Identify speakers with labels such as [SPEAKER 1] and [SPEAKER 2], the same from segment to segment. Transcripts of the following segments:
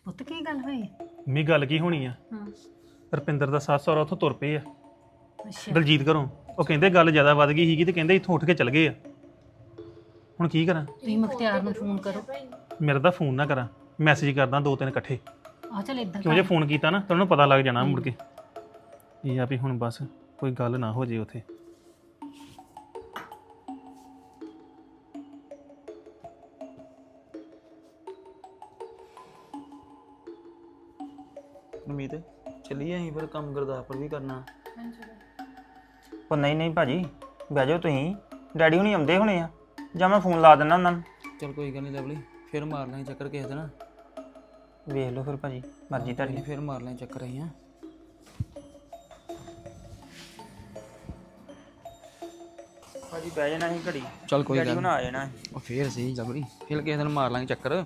[SPEAKER 1] ਪੁੱਤ ਕੀ ਗੱਲ ਹੋਈ?
[SPEAKER 2] ਮੰਮੀ ਗੱਲ ਕੀ ਹੋਣੀ ਆ?
[SPEAKER 1] ਹਾਂ।
[SPEAKER 2] ਰੁਪਿੰਦਰ ਦਾ ਸੱਸ ਸਹੁਰਾ ਉੱਥੋਂ ਤੁਰ ਪਏ ਆ
[SPEAKER 1] ਅੱਛਾ।
[SPEAKER 2] ਦਲਜੀਤ ਘਰੋਂ। ਉਹ ਕਹਿੰਦੇ ਗੱਲ ਜ਼ਿਆਦਾ ਵੱਧ ਗਈ ਸੀਗੀ ਤੇ ਕਹਿੰਦੇ ਇੱਥੋਂ ਉੱਠ ਕੇ ਚਲ ਗਏ ਆ। ਹੁਣ ਕੀ ਕਰਾਂ?
[SPEAKER 1] ਤੁਸੀਂ ਮੁਖਤਿਆਰ ਨੂੰ ਫੋਨ ਕਰੋ।
[SPEAKER 2] ਮੇਰਾ ਤਾਂ ਫੋਨ ਨਾ ਕਰਾਂ, ਮੈਸੇਜ ਕਰਦਾ 2-3 ਇਕੱਠੇ।
[SPEAKER 1] ਆ ਚੱਲ ਇਦਾਂ
[SPEAKER 2] ਕਿਉਂ ਜੇ ਫੋਨ ਕੀਤਾ ਨਾ ਤਾਂ ਉਹਨੂੰ ਪਤਾ ਲੱਗ ਜਾਣਾ ਮੁੜ ਕੇ। ਇਹ ਆ ਵੀ ਹੁਣ ਬਸ ਕੋਈ ਗੱਲ ਨਾ ਹੋ ਜੇ ਉੱਥੇ।
[SPEAKER 3] ਉਮੀਦ ਚੱਲੀਏ ਅਸੀਂ ਫਿਰ ਕੰਮ ਗੁਰਦਾਸਪੁਰ ਵੀ ਕਰਨਾ।
[SPEAKER 4] ਉਹ ਨਹੀਂ ਭਾਜੀ, ਬਹਿ ਜਾਓ ਤੁਸੀਂ। ਡੈਡੀ ਹੁਣੀ ਆਉਂਦੇ ਹੋਣੇ ਆ, ਜਾਂ ਮੈਂ ਫੋਨ ਲਾ ਦਿੰਦਾ ਉਹਨਾਂ ਨੂੰ।
[SPEAKER 3] ਚਲ ਕੋਈ ਗੱਲ ਨਹੀਂ ਲਵਲੀ, ਫਿਰ ਮਾਰ ਲਾਂਗੇ ਚੱਕਰ ਕਿਸੇ ਦਿਨ।
[SPEAKER 4] ਵੇਖ ਲਓ ਫਿਰ ਭਾਜੀ, ਮਰਜ਼ੀ ਤੁਹਾਡੀ।
[SPEAKER 3] ਫਿਰ ਮਾਰ ਲਾਂਗੇ ਚੱਕਰ ਅਸੀਂ।
[SPEAKER 4] ਭਾਜੀ ਬਹਿ ਜਾਣਾ ਸੀ ਘੜੀ।
[SPEAKER 3] ਚਲ ਕੋਈ
[SPEAKER 4] ਡੈਡੀ
[SPEAKER 3] ਗੱਲ
[SPEAKER 4] ਹੁਣ ਆ ਜਾਣਾ।
[SPEAKER 3] ਉਹ ਫੇਰ ਸਹੀ ਲਵਲੀ, ਫਿਰ ਕਿਸੇ ਦਿਨ ਮਾਰ ਲਾਂਗੇ ਚੱਕਰ।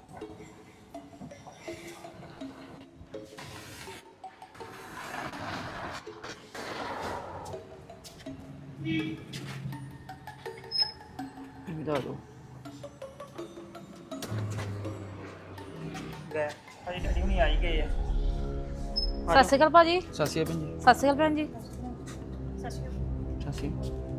[SPEAKER 4] ਦੱਸ ਦੋ ਲੈ ਭਾਜੀ, ਡੈਡੀ ਹੁਣੀ ਆ ਹੀ ਗਏ ਆ।
[SPEAKER 5] ਸਤਿ ਸ਼੍ਰੀ ਅਕਾਲ ਭਾਜੀ।
[SPEAKER 3] ਸਤਿ ਸ਼੍ਰੀ ਅਕਾਲ ਭੈਣ ਜੀ।
[SPEAKER 5] ਸਤਿ ਸ਼੍ਰੀ ਅਕਾਲ ਭੈਣ ਜੀ।
[SPEAKER 3] ਸਤਿ ਸ਼੍ਰੀ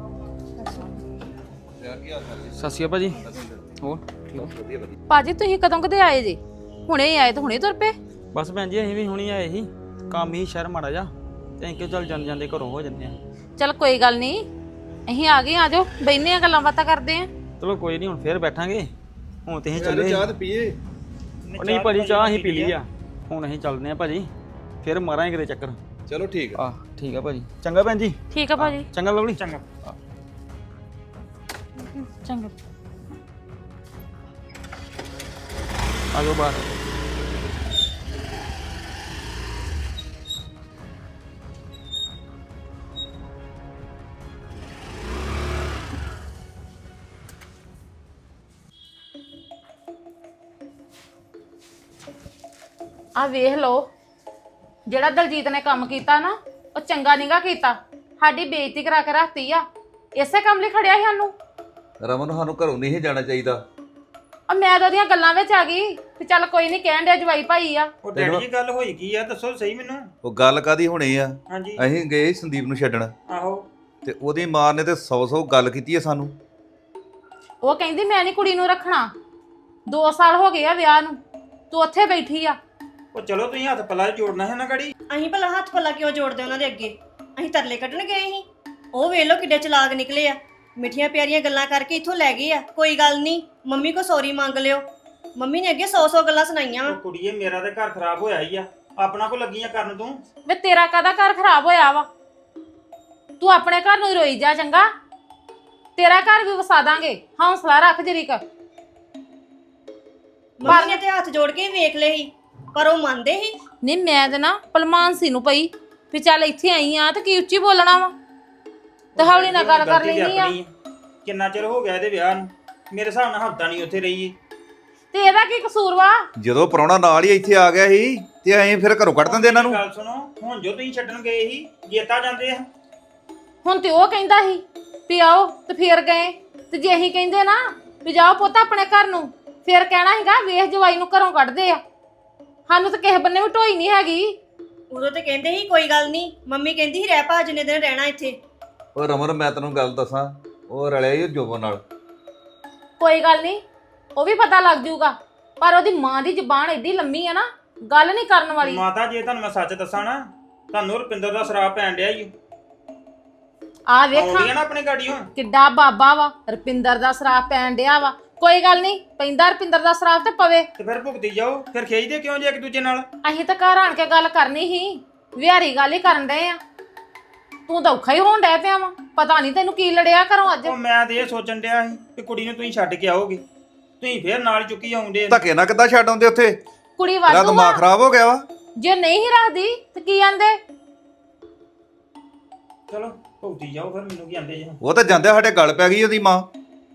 [SPEAKER 3] ਅਕਾਲ ਭਾਜੀ। ਹੋਰ ਠੀਕ?
[SPEAKER 5] ਭਾਜੀ ਤੁਸੀਂ ਕਦੋਂ ਕਦੇ ਆਏ ਜੀ? ਹੁਣੇ ਹੀ ਆਏ ਤੇ ਹੁਣੇ ਤੁਰ ਪਏ?
[SPEAKER 3] ਬਸ ਭੈਣ ਜੀ ਅਸੀਂ ਵੀ ਹੁਣੀ ਆਏ ਸੀ, ਕੰਮ ਹੀ ਸ਼ਹਿਰ ਮਾੜਾ ਜਾ, ਤੇ ਅਸੀਂ ਕਿਹਾ ਚੱਲ ਜਾਂਦੇ ਘਰੋਂ ਹੋ ਜਾਂਦੇ ਆ।
[SPEAKER 5] ਚਲ ਕੋਈ ਗੱਲ ਨਹੀਂ, ਅਸੀਂ ਆ ਗਏ, ਆ ਜਾਓ ਬੈਠਨੇ ਆ, ਗੱਲਾਂ ਬਾਤਾਂ ਕਰਦੇ ਆ।
[SPEAKER 3] ਚਲੋ ਕੋਈ ਨਹੀਂ, ਹੁਣ ਫੇਰ ਬੈਠਾਂਗੇ। ਹੁਣ ਤੇ ਅਸੀਂ ਚੱਲੇ।
[SPEAKER 6] ਚਾਹ ਤੇ ਪੀਏ।
[SPEAKER 3] ਉਹ ਨਹੀਂ ਭਾਜੀ, ਚਾਹ ਅਸੀਂ ਪੀ ਲਈ ਆ। ਹੁਣ ਅਸੀਂ ਚੱਲਦੇ ਆ ਭਾਜੀ, ਫਿਰ ਮਾਰਾਂਗੇ ਕਿਤੇ ਚੱਕਰ।
[SPEAKER 6] ਚਲੋ ਠੀਕ ਆ।
[SPEAKER 3] ਠੀਕ ਆ ਭਾਜੀ। ਚੰਗਾ ਭੈਣ ਜੀ।
[SPEAKER 5] ਠੀਕ ਆ ਭਾਜੀ।
[SPEAKER 3] ਚੰਗਾ ਲਵਲੀ।
[SPEAKER 4] ਚੰਗਾ।
[SPEAKER 5] ਚੰਗਾ।
[SPEAKER 3] ਆ ਜਾਓ ਬਾਹਰ।
[SPEAKER 5] ਆ ਵੇਖ ਲਓ, ਜਿਹੜਾ ਦਲਜੀਤ ਨੇ ਕੰਮ ਕੀਤਾ ਨਾ, ਉਹ ਚੰਗਾ ਨੀਗਾ ਕੀਤਾ। ਸਾਡੀ ਬੇਇੱਜ਼ਤੀ ਕਰਾ ਕੇ ਰੱਖਤੀ ਆ। ਇਸੇ ਕੰਮ ਲਈ ਖੜਿਆ ਸੀ ਸਾਨੂੰ।
[SPEAKER 6] ਰਮਨ, ਸਾਨੂੰ ਘਰੋਂ ਨਹੀਂ ਜਾਣਾ ਚਾਹੀਦਾ।
[SPEAKER 5] ਆ ਮੈਂ ਤਾਂ ਉਹਦੀਆਂ ਗੱਲਾਂ ਵਿੱਚ ਆ ਗਈ ਤੇ ਚੱਲ ਕੋਈ ਨਹੀਂ, ਕਹਿਣ ਡਿਆ ਜਵਾਈ ਭਾਈ ਆ।
[SPEAKER 4] ਉਹ ਡੈਡੀ ਜੀ ਗੱਲ ਹੋਈ ਕੀ ਆ, ਦੱਸੋ ਸਹੀ ਮੈਨੂੰ।
[SPEAKER 6] ਉਹ ਗੱਲ ਕਾਦੀ ਹੋਣੀ ਆ?
[SPEAKER 4] ਹਾਂਜੀ।
[SPEAKER 6] ਅਸੀਂ ਗਏ ਸੰਦੀਪ ਨੂੰ ਛੱਡਣ,
[SPEAKER 4] ਆਹੋ।
[SPEAKER 6] ਤੇ ਉਹਦੀ ਮਾਂ ਨੇ ਤੇ 100 ਗੱਲ ਕੀਤੀ ਹੈ ਸਾਨੂੰ।
[SPEAKER 5] ਉਹ ਕਹਿੰਦੀ ਮੈਂ ਨਹੀਂ ਕੁੜੀ ਨੂੰ ਰੱਖਣਾ, 2 ਸਾਲ ਹੋ ਗਏ ਆ ਵਿਆਹ ਨੂੰ, ਤੂੰ ਉੱਥੇ ਬੈਠੀ ਆ।
[SPEAKER 4] ਉਹ ਚਲੋ ਤੁਸੀਂ ਹੱਥ ਪੱਲਾ ਜੋੜਨਾ ਹੈ ਨਾ ਗੜੀ।
[SPEAKER 7] ਅਸੀਂ ਭਲਾ ਹੱਥ ਪੱਲਾ ਕਿਉਂ ਜੋੜਦੇ ਉਹਨਾਂ ਦੇ ਅੱਗੇ? ਅਸੀਂ ਤਰਲੇ ਕੱਢਣ ਗਏ ਸੀ। ਉਹ ਵੇਖ ਲੋ ਕਿੱਡੇ ਚਲਾਕ ਨਿਕਲੇ ਆ, ਮਿੱਠੀਆਂ ਪਿਆਰੀਆਂ ਗੱਲਾਂ ਕਰਕੇ ਇੱਥੋਂ ਲੈ ਗਏ ਆ। ਕੋਈ ਗੱਲ ਨਹੀਂ, ਮੰਮੀ ਕੋ ਸੌਰੀ ਮੰਗ ਲਿਓ। ਮੰਮੀ ਨੇ ਅੱਗੇ 100 ਗੱਲਾਂ ਸੁਣਾਈਆਂ ਵਾ।
[SPEAKER 4] ਉਹ ਕੁੜੀਏ, ਮੇਰਾ ਤੇ ਘਰ ਖਰਾਬ ਹੋਇਆ ਹੀ ਆ, ਆਪਣਾ ਕੋ ਲੱਗੀਆਂ ਕਰਨ ਤੂੰ।
[SPEAKER 5] ਵੇ ਤੇਰਾ ਕਾਹਦਾ ਘਰ ਖਰਾਬ ਹੋਇਆ ਵਾ? ਤੂੰ ਆਪਣੇ ਘਰ ਨੂੰ ਹੀ ਰੋਈ ਜਾ, ਚੰਗਾ? ਤੇਰਾ ਘਰ ਵੀ ਵਸਾ ਦਾਂਗੇ, ਹੌਸਲਾ ਰੱਖ ਜਰੀਕ।
[SPEAKER 7] ਮੰਮੀ ਨੇ ਤੇ ਹੱਥ ਜੋੜ ਕੇ ਵੇਖ ਲਏ ਸੀ, ਪਰ ਉਹ ਮੰਨਦੇ ਸੀ।
[SPEAKER 5] ਨਹੀਂ ਮੈਂ ਤੇ ਨਾ ਭਲਮਾਨਸੀ ਨੂੰ ਪਈ ਵੀ ਚੱਲ ਇੱਥੇ ਆਈ ਆ ਤੇ ਕੀ ਉੱਚੀ ਬੋਲਣਾ ਵਾ, ਤੇ ਹੌਲੀ ਨਾਲ ਗੱਲ ਕਰ ਲੈਣੀ ਆ।
[SPEAKER 4] ਕਿੰਨਾ ਚਿਰ ਹੋ ਗਿਆ ਇਹਦੇ ਵਿਆਹ ਨੂੰ? ਮੇਰੇ ਹਿਸਾਬ ਨਾਲ ਹਫਤਾ ਨਹੀਂ ਉੱਥੇ ਰਹੀ।
[SPEAKER 5] ਤੇ ਇਹਦਾ ਕੀ ਕਸੂਰ ਵਾ?
[SPEAKER 6] ਜਦੋਂ ਪ੍ਰਾਹੁਣਾ ਨਾਲ ਹੀ ਇੱਥੇ ਆ ਗਿਆ ਸੀ ਤੇ ਅਸੀਂ ਫਿਰ ਘਰੋਂ ਕੱਢ ਦਿੰਦੇ ਇਹਨਾਂ ਨੂੰ।
[SPEAKER 4] ਗੱਲ ਸੁਣੋ, ਹੁਣ ਜੋ ਤੁਸੀਂ ਛੱਡਣ ਗਏ ਸੀ, ਜੇਤਾ ਜਾਂਦੇ ਆ।
[SPEAKER 5] ਹੁਣ ਤੇ ਉਹ ਕਹਿੰਦਾ ਸੀ ਵੀ ਆਓ ਤੇ ਫੇਰ ਗਏ, ਤੇ ਜੇ ਅਸੀਂ ਕਹਿੰਦੇ ਨਾ ਵੀ ਜਾਓ ਪੁੱਤ ਆਪਣੇ ਘਰ ਨੂੰ, ਫੇਰ ਕਹਿਣਾ ਹੈਗਾ ਵੇਖ ਜਵਾਈ ਨੂੰ ਘਰੋਂ ਕੱਢਦੇ ਆ। ਸਾਨੂੰ ਤਾਂ ਕਿਸੇ ਬੰਨੇ ਵੀ ਢੋਈ ਨਹੀਂ ਹੈਗੀ।
[SPEAKER 7] ਉਦੋਂ ਤੇ ਕਹਿੰਦੇ ਸੀ ਕੋਈ ਗੱਲ ਨਹੀਂ, ਮੰਮੀ ਕਹਿੰਦੀ ਸੀ ਰਹਿ ਪਾ, ਜਿੰਨੇ ਦਿਨ ਰਹਿਣਾ ਇੱਥੇ।
[SPEAKER 6] ਉਹ ਰਮਨ, ਮੈਂ ਤੈਨੂੰ ਗੱਲ ਦੱਸਾਂ, ਉਹ ਰਲਿਆ ਹੀ ਜੋਬਨ ਨਾਲ।
[SPEAKER 5] ਕੋਈ ਗੱਲ ਨਹੀਂ, ਉਹ ਵੀ ਪਤਾ ਲੱਗ ਜਾਊਗਾ, ਪਰ ਉਹਦੀ ਮਾਂ ਦੀ ਜ਼ੁਬਾਨ ਏਡੀ ਲੰਮੀ ਆ ਨਾ, ਗੱਲ ਨਹੀਂ ਕਰਨ ਵਾਲੀ।
[SPEAKER 4] ਮਾਤਾ, ਜੇ ਤੁਹਾਨੂੰ ਮੈਂ ਸੱਚ ਦੱਸਾਂ ਨਾ, ਤੁਹਾਨੂੰ ਰੁਪਿੰਦਰ ਦਾ ਸ਼ਰਾਬ ਪੈਣ ਡਿਆ ਈ।
[SPEAKER 5] ਆ ਵੇਖਾਂ
[SPEAKER 4] ਆਉਂਦੀ ਆ ਨਾ ਆਪਣੇ ਗਾੜੀ ਹੁਣ।
[SPEAKER 5] ਕਿੱਡਾ ਬਾਬਾ ਵਾ, ਰੁਪਿੰਦਰ ਦਾ ਸ਼ਰਾਬ ਪੈਣ ਡਿਆ ਵਾ। ਕੋਈ ਗੱਲ ਨਹੀਂ, ਪੈਂਦਾ ਰੁਪਿੰਦਰ ਦਾ ਸ਼ਰਾਬ ਤੇ ਪਵੇ।
[SPEAKER 4] ਤੇ ਫਿਰ ਭੁਗਤੀ ਜਾਓ, ਫਿਰ ਖੇਜਦੇ ਕਿਉਂ ਜੇ ਇੱਕ ਦੂਜੇ ਨਾਲ?
[SPEAKER 5] ਅਸੀਂ ਤਾਂ ਘਰ ਆਣ ਕੇ ਗੱਲ ਕਰਨੀ ਸੀ, ਵਿਹਾਰੀ ਗੱਲ ਹੀ ਕਰਨ ਡਏ ਆ। ਤੂੰ ਤਾਂ ਔਖਾ ਹੀ ਹੋਣ ਡੈ ਪਿਆ ਵਾ, ਪਤਾ ਨਹੀਂ ਤੈਨੂੰ ਕੀ ਲੜਿਆ ਘਰੋਂ ਅੱਜ।
[SPEAKER 4] ਉਹ ਮੈਂ ਤੇ ਇਹ ਸੋਚਣ ਡਿਆ ਸੀ ਕਿ ਕੁੜੀ ਨੂੰ ਤੁਸੀਂ ਛੱਡ ਕੇ ਆਓਗੇ, ਤੁਸੀਂ ਫਿਰ ਨਾਲ ਚੁੱਕੀ ਆਉਂਦੇ।
[SPEAKER 6] ਧੱਕੇ ਨਾਲ ਕਿੱਦਾਂ ਛੱਡ ਆਉਂਦੇ ਉੱਥੇ?
[SPEAKER 5] ਕੁੜੀ
[SPEAKER 6] ਤੇਰਾ
[SPEAKER 5] ਵਾਧੂ
[SPEAKER 6] ਦਿਮਾਗ
[SPEAKER 5] ਆ,
[SPEAKER 6] ਖਰਾਬ ਹੋ ਗਿਆ ਵਾ।
[SPEAKER 5] ਜੇ ਨਹੀਂ ਹੀ ਰੱਖਦੀ ਤੇ ਕੀ ਆਂਦੇ?
[SPEAKER 4] ਚਲੋ ਭੁਗਤੀ ਜਾਓ, ਫਿਰ ਮੈਨੂੰ ਕੀ ਆਂਦੇ ਜੇ।
[SPEAKER 6] ਉਹ ਤਾਂ ਜਾਂਦੇ ਸਾਡੇ ਗੱਲ ਪੈ ਗਈ ਉਹਦੀ ਮਾਂ।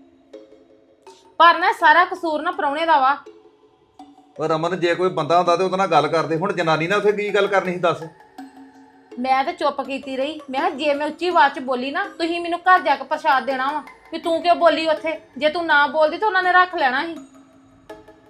[SPEAKER 5] ਪਰ ਨਾ ਸਾਰਾ ਕਸੂਰ ਨਾ ਪ੍ਰਾਹੁਣੇ ਦਾ ਵਾ।
[SPEAKER 6] ਉਹ ਰਮਨ, ਜੇ ਕੋਈ ਬੰਦਾ ਹੁੰਦਾ ਤੇ ਉਹਦੇ ਨਾਲ ਗੱਲ ਕਰਦੇ। ਹੁਣ ਜਨਾਨੀ ਨਾਲ ਉੱਥੇ ਕੀ ਗੱਲ ਕਰਨੀ ਸੀ ਦੱਸ?
[SPEAKER 5] ਮੈਂ ਤਾਂ ਚੁੱਪ ਕੀਤੀ ਰਹੀ। ਮੈਂ ਕਿਹਾ ਜੇ ਮੈਂ ਉੱਚੀ ਆਵਾਜ਼ 'ਚ ਬੋਲੀ ਨਾ, ਤੁਸੀਂ ਮੈਨੂੰ ਘਰ ਜਾ ਕੇ ਪ੍ਰਸ਼ਾਦ ਦੇਣਾ ਵਾ ਵੀ ਤੂੰ ਕਿਉਂ ਬੋਲੀ ਉੱਥੇ। ਜੇ ਤੂੰ ਨਾ ਬੋਲਦੀ ਤਾਂ ਉਹਨਾਂ ਨੇ ਰੱਖ ਲੈਣਾ ਸੀ।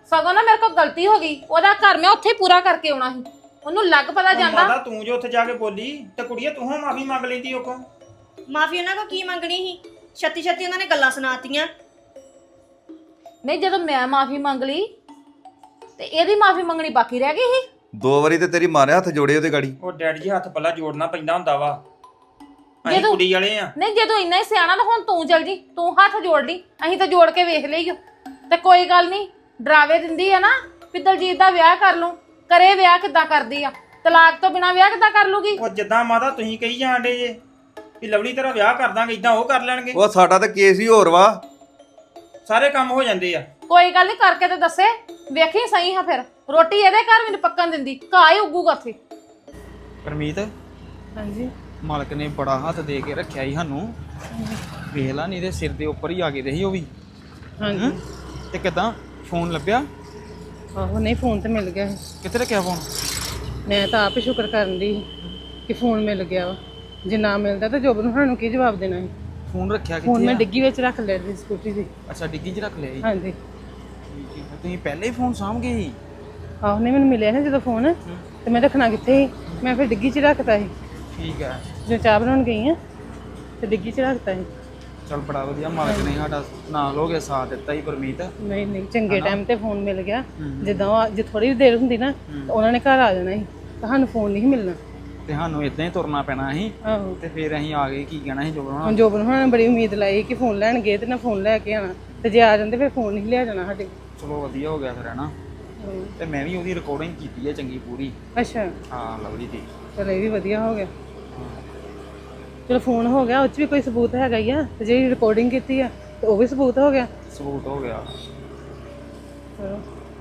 [SPEAKER 5] ਸਗੋਂ ਨਾ ਮੇਰੇ ਕੋਲ ਗਲਤੀ ਹੋ ਗਈ, ਉਹਦਾ ਘਰ ਮੈਂ ਉੱਥੇ ਹੀ ਪੂਰਾ ਕਰਕੇ ਆਉਣਾ ਸੀ। ਉਹਨੂੰ ਲੱਗ ਪਤਾ ਜਾਂਦਾ।
[SPEAKER 3] ਮਾਤਾ ਤੂੰ ਜੋ ਉੱਥੇ ਜਾ ਕੇ ਬੋਲੀ ਤੇ ਕੁੜੀਏ ਤੂੰ ਹਾਂ ਮਾਫੀ ਮੰਗ ਲੈਂਦੀ ਉਹ ਕੋ।
[SPEAKER 7] ਮਾਫੀ ਉਹਨਾਂ ਕੋ ਕੀ ਮੰਗਣੀ ਸੀ? ਛੱਤੀ ਛੱਤੀ ਉਹਨਾਂ ਨੇ ਗੱਲਾਂ ਸੁਣਾਤੀਆਂ।
[SPEAKER 5] ਨਹੀਂ ਜਦੋਂ ਮੈਂ ਮਾਫੀ ਮੰਗ ਲਈ ਤੇ ਇਹਦੀ ਮਾਫੀ ਮੰਗਣੀ ਬਾਕੀ ਰਹਿ ਗਈ ਸੀ।
[SPEAKER 6] 2 ਵਾਰੀ ਤੇ ਤੇਰੀ ਮਾਂ ਨੇ ਹੱਥ ਜੋੜੇ ਉਹਦੇ ਗਾੜੀ।
[SPEAKER 3] ਉਹ ਡੈਡੀ ਜੀ ਹੱਥ ਪੱਲਾ ਜੋੜਨਾ ਪੈਂਦਾ ਹੁੰਦਾ ਵਾ। ਅਸੀਂ
[SPEAKER 5] ਜਦੋਂ-
[SPEAKER 3] ਕੁੜੀ ਵਾਲੇ ਆ।
[SPEAKER 5] ਨਹੀਂ ਜਦੋਂ ਇੰਨਾ ਹੀ ਸਿਆਣਾ ਤਾਂ ਹੁਣ ਤੂੰ ਚੱਲ ਜੀ, ਤੂੰ ਹੱਥ ਜੋੜ ਲਈ, ਅਸੀਂ ਤਾਂ ਜੋੜ ਕੇ ਵੇਖ ਲਈਓ। ਤੇ ਕੋਈ ਗੱਲ ਨਹੀਂ, ਡਰਾਵੇ ਦਿੰਦੀ ਆ ਨਾ ਵੀ ਦਲਜੀਤ ਦਾ ਵਿਆਹ ਕਰ ਲੂੰ, ਕਰੇ ਵਿਆਹ ਕਿੱਦਾਂ ਕਰਦੀ ਆ, ਤਲਾਕ ਤੋਂ ਬਿਨਾ ਵਿਆਹ ਕਿੱਦਾਂ ਕਰ ਲੂਗੀ?
[SPEAKER 3] ਉਹ ਜਿੱਦਾਂ ਮਾਤਾ ਤੁਸੀਂ ਕਹੀ ਜਾਂਦੇ ਜੇ ਵੀ ਲਵਲੀ ਤੇਰਾ ਵਿਆਹ ਕਰ ਦਾਂਗੇ, ਇਦਾਂ ਉਹ ਕਰ ਲੈਣਗੇ।
[SPEAKER 6] ਉਹ ਸਾਡਾ ਤਾਂ ਕੇਸ ਹੀ ਹੋਰ ਵਾ।
[SPEAKER 3] ਸਾਰੇ ਕੰਮ ਹੋ ਜਾਂਦੇ ਆ।
[SPEAKER 5] ਕੋਈ ਗੱਲ ਨਹੀਂ, ਕਰਕੇ ਤੇ ਦੱਸੇ, ਵੇਖੀ ਸਹੀ ਹਾਂ ਫਿਰ ਰੋਟੀ ਇਹਦੇ ਘਰ ਮੈਨੂੰ ਪੱਕਣ ਦਿੰਦੀ, ਘਾਹ ਹੀ ਉੱਗੂਗਾ ਉੱਥੇ।
[SPEAKER 3] ਪਰਮੀਤ
[SPEAKER 1] ਹਾਂਜੀ
[SPEAKER 3] ਮਾਲਕ ਨੇ ਬੜਾ ਹੱਥ ਦੇ ਕੇ ਰੱਖਿਆ ਹੀ ਸਾਨੂੰ। ਵੇਖ ਲਾ ਨਹੀਂ ਤੇ ਸਿਰ ਦੇ ਉੱਪਰ ਹੀ ਆ ਗਏ ਦੇ ਸੀ ਉਹ ਵੀ।
[SPEAKER 1] ਹਾਂਜੀ
[SPEAKER 3] ਤੇ ਕਿਦਾਂ ਫੋਨ ਲੱਭਿਆ?
[SPEAKER 1] ਆਹੋ ਨਹੀਂ ਫੋਨ ਤੇ ਮਿਲ ਗਿਆ ਸੀ।
[SPEAKER 3] ਕਿੱਥੇ ਰੱਖਿਆ ਫੋਨ?
[SPEAKER 1] ਮੈਂ ਤਾਂ ਆਪ ਹੀ ਸ਼ੁਕਰ ਕਰਨ ਦੀ ਕਿ ਫੋਨ ਮਿਲ ਗਿਆ ਵਾ। ਜੇ ਨਾ ਮਿਲਦਾ ਤਾਂ ਜੋਬ ਨੂੰ ਸਾਨੂੰ ਕੀ ਜਵਾਬ ਦੇਣਾ ਸੀ?
[SPEAKER 3] ਫੋਨ ਰੱਖਿਆ
[SPEAKER 1] ਫੋਨ
[SPEAKER 3] ਕਿੱਥੇ
[SPEAKER 1] ਮੈਂ
[SPEAKER 3] ਆ?
[SPEAKER 1] ਡਿੱਗੀ ਵਿੱਚ ਰੱਖ ਲਿਆ ਸੀ ਸਕੂਟਰੀ ਦੀ।
[SPEAKER 3] ਅੱਛਾ ਡਿੱਗੀ 'ਚ ਰੱਖ ਲਿਆ ਜੀ।
[SPEAKER 1] ਹਾਂਜੀ
[SPEAKER 3] ਤੁਸੀਂ ਪਹਿਲੇ ਹੀ ਫੋਨ ਸਾਂਭ ਗਏ ਸੀ?
[SPEAKER 1] ਆਹੋ ਨਹੀਂ ਮੈਨੂੰ ਮਿਲਿਆ ਨਾ ਜਦੋਂ ਫੋਨ, ਤੇ ਮੈਂ ਰੱਖਣਾ ਕਿੱਥੇ ਸੀ? ਮੈਂ ਫਿਰ ਡਿੱਗੀ 'ਚ ਰੱਖਤਾ ਸੀ।
[SPEAKER 3] ਠੀਕ ਹੈ।
[SPEAKER 1] ਜਦੋਂ ਚਾਹ ਬਣਾਉਣ ਗਈ ਆ ਤੇ ਡਿੱਗੀ 'ਚ ਰੱਖਤਾ ਸੀ।
[SPEAKER 3] ਚਲ ਬੜਾ ਵਧੀਆ, ਮਾਲਕ ਨੇ ਸਾਡਾ ਨਾਲ ਹੋ ਕੇ ਸਾਥ ਦਿੱਤਾ ਹੀ ਪਰਮੀਤ।
[SPEAKER 1] ਨਹੀਂ ਨਹੀਂ ਚੰਗੇ ਟਾਈਮ ਤੇ ਫੋਨ ਮਿਲ ਗਿਆ। ਜਿੱਦਾਂ ਜੇ ਥੋੜੀ ਦੇਰ ਹੁੰਦੀ ਨਾ ਤਾਂ ਉਹਨਾਂ ਨੇ ਘਰ ਆ ਜਾਣਾ ਸੀ, ਤੁਹਾਨੂੰ ਫੋਨ ਨਹੀਂ ਮਿਲਣਾ।
[SPEAKER 3] ਤੇ ਸਾਨੂੰ ਇਦਾਂ ਹੀ ਤੁਰਨਾ ਪੈਣਾ ਸੀ।
[SPEAKER 1] ਆਹੋ
[SPEAKER 3] ਤੇ ਫਿਰ ਅਸੀਂ ਆ ਗਏ, ਕੀ ਕਹਿਣਾ ਸੀ ਜੋ ਬਣਾਉਣਾ।
[SPEAKER 1] ਹੁਣ ਜੋਬਨ ਹੋਣਾ ਬੜੀ ਉਮੀਦ ਲਾਈ ਕਿ ਫੋਨ ਲੈਣ ਗਏ ਤੇ ਨਾ ਫੋਨ ਲੈ ਕੇ ਆਣਾ, ਤੇ ਜੇ ਆ ਜਾਂਦੇ ਫਿਰ ਫੋਨ ਨਹੀਂ ਲਿਆ ਜਾਣਾ ਸਾਡੇ
[SPEAKER 3] ਚਲੋ ਵਧੀਆ ਹੋ ਗਿਆ ਫਿਰ ਹੈ ਨਾ।
[SPEAKER 1] ਕੋਲ।
[SPEAKER 3] ਤੇ ਮੈਂ ਵੀ ਉਹਦੀ ਰਿਕਾਰਡਿੰਗ ਕੀਤੀ ਹੈ ਚੰਗੀ ਪੂਰੀ।
[SPEAKER 1] ਅੱਛਾ
[SPEAKER 3] ਹਾਂ ਲਵਲੀ ਦੀ।
[SPEAKER 1] ਚਲ ਇਹ ਵੀ ਵਧੀਆ ਹੋ ਗਿਆ। ਚਲੋ ਫੋਨ ਹੋ ਗਿਆ, ਉਹ 'ਚ ਵੀ ਕੋਈ ਸਬੂਤ ਹੈਗਾ ਹੀ ਆ, ਤੇ ਜਿਹੜੀ ਰਿਕਾਰਡਿੰਗ ਕੀਤੀ ਆ ਤੇ ਉਹ ਵੀ ਸਬੂਤ ਹੋ ਗਿਆ।
[SPEAKER 3] ਸਬੂਤ ਹੋ ਗਿਆ।
[SPEAKER 1] ਚਲੋ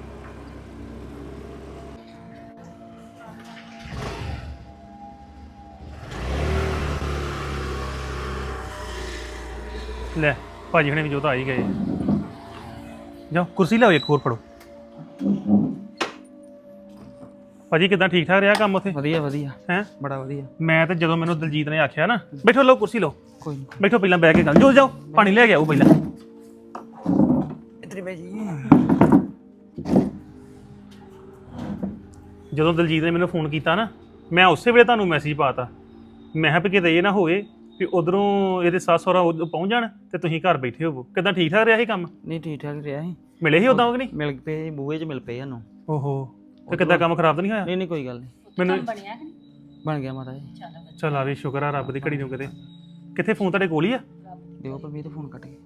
[SPEAKER 2] ਲੈ ਭਾਜੀ ਹੁਣੇ ਵੀ ਜੋ ਤਾਂ ਆ ਹੀ ਗਏ। ਜਾਓ ਕੁਰਸੀ ਲਿਆਓ ਇੱਕ ਹੋਰ ਫੜੋ। ਭਾਜੀ ਕਿਦਾਂ ਠੀਕ ਠਾਕ ਰਿਹਾ ਕੰਮ ਉੱਥੇ?
[SPEAKER 3] ਵਧੀਆ ਵਧੀਆ,
[SPEAKER 2] ਹੈ
[SPEAKER 3] ਬੜਾ ਵਧੀਆ।
[SPEAKER 2] ਮੈਂ ਤਾਂ ਜਦੋਂ ਮੈਨੂੰ ਦਲਜੀਤ ਨੇ ਆਖਿਆ ਨਾ ਬੈਠੋ ਲਓ ਕੁਰਸੀ ਲਓ,
[SPEAKER 3] ਕੋਈ ਨਹੀਂ,
[SPEAKER 2] ਬੈਠੋ ਪਹਿਲਾਂ ਬਹਿ ਕੇ ਗੱਲ ਜੋ ਜਾਓ ਪਾਣੀ ਲੈ ਕੇ ਆਓ ਪਹਿਲਾਂ।
[SPEAKER 3] ਇੱਧਰ ਬੈ ਜੀ।
[SPEAKER 2] ਜਦੋਂ ਦਲਜੀਤ ਨੇ ਮੈਨੂੰ ਫੋਨ ਕੀਤਾ ਨਾ, ਮੈਂ ਉਸੇ ਵੇਲੇ ਤੁਹਾਨੂੰ ਮੈਸੇਜ ਪਾਤਾ। ਮੈਂ ਕਿਹਾ ਵੀ ਕਿਤੇ ਇਹ ਨਾ ਹੋਵੇ ਵੀ ਉਧਰੋਂ ਇਹਦੇ ਸੱਸ ਸਹੁਰਾ ਪਹੁੰਚ ਜਾਣ ਤੇ ਤੁਸੀਂ ਘਰ ਬੈਠੇ ਹੋਵੋ। ਕਿਦਾਂ ਠੀਕ ਠਾਕ ਰਿਹਾ ਸੀ ਕੰਮ?
[SPEAKER 3] ਨਹੀਂ ਠੀਕ ਠਾਕ ਰਿਹਾ ਸੀ।
[SPEAKER 2] ਮਿਲੇ ਸੀ ਉਦਾਂ ਕਿ ਨਹੀਂ?
[SPEAKER 3] ਮਿਲ ਪਏ, ਬੂਹੇ 'ਚ ਮਿਲ ਪਏ ਸਾਨੂੰ।
[SPEAKER 2] ਓਹੋ ਤੇ ਕਿੱਦਾਂ ਕੰਮ ਖਰਾਬ ਤਾਂ ਨਹੀਂ ਹੋਇਆ?
[SPEAKER 3] ਨਹੀਂ ਨਹੀਂ ਕੋਈ ਗੱਲ ਨਹੀਂ,
[SPEAKER 2] ਮੈਨੂੰ
[SPEAKER 1] ਬਣਿਆ ਕਿ ਨਹੀਂ?
[SPEAKER 3] ਬਣ ਗਿਆ ਮਾਤਾ ਜੀ।
[SPEAKER 2] ਚਲ ਆ ਵੀ ਸ਼ੁਕਰ ਆ ਰੱਬ ਦੀ ਘੜੀ ਨੂੰ। ਕਿਤੇ ਕਿੱਥੇ ਫੋਨ ਤੁਹਾਡੇ ਕੋਲ ਹੀ ਆ?
[SPEAKER 3] ਦਿਓ ਪਰਮੀਤ ਫੋਨ ਕੱਟ ਕੇ।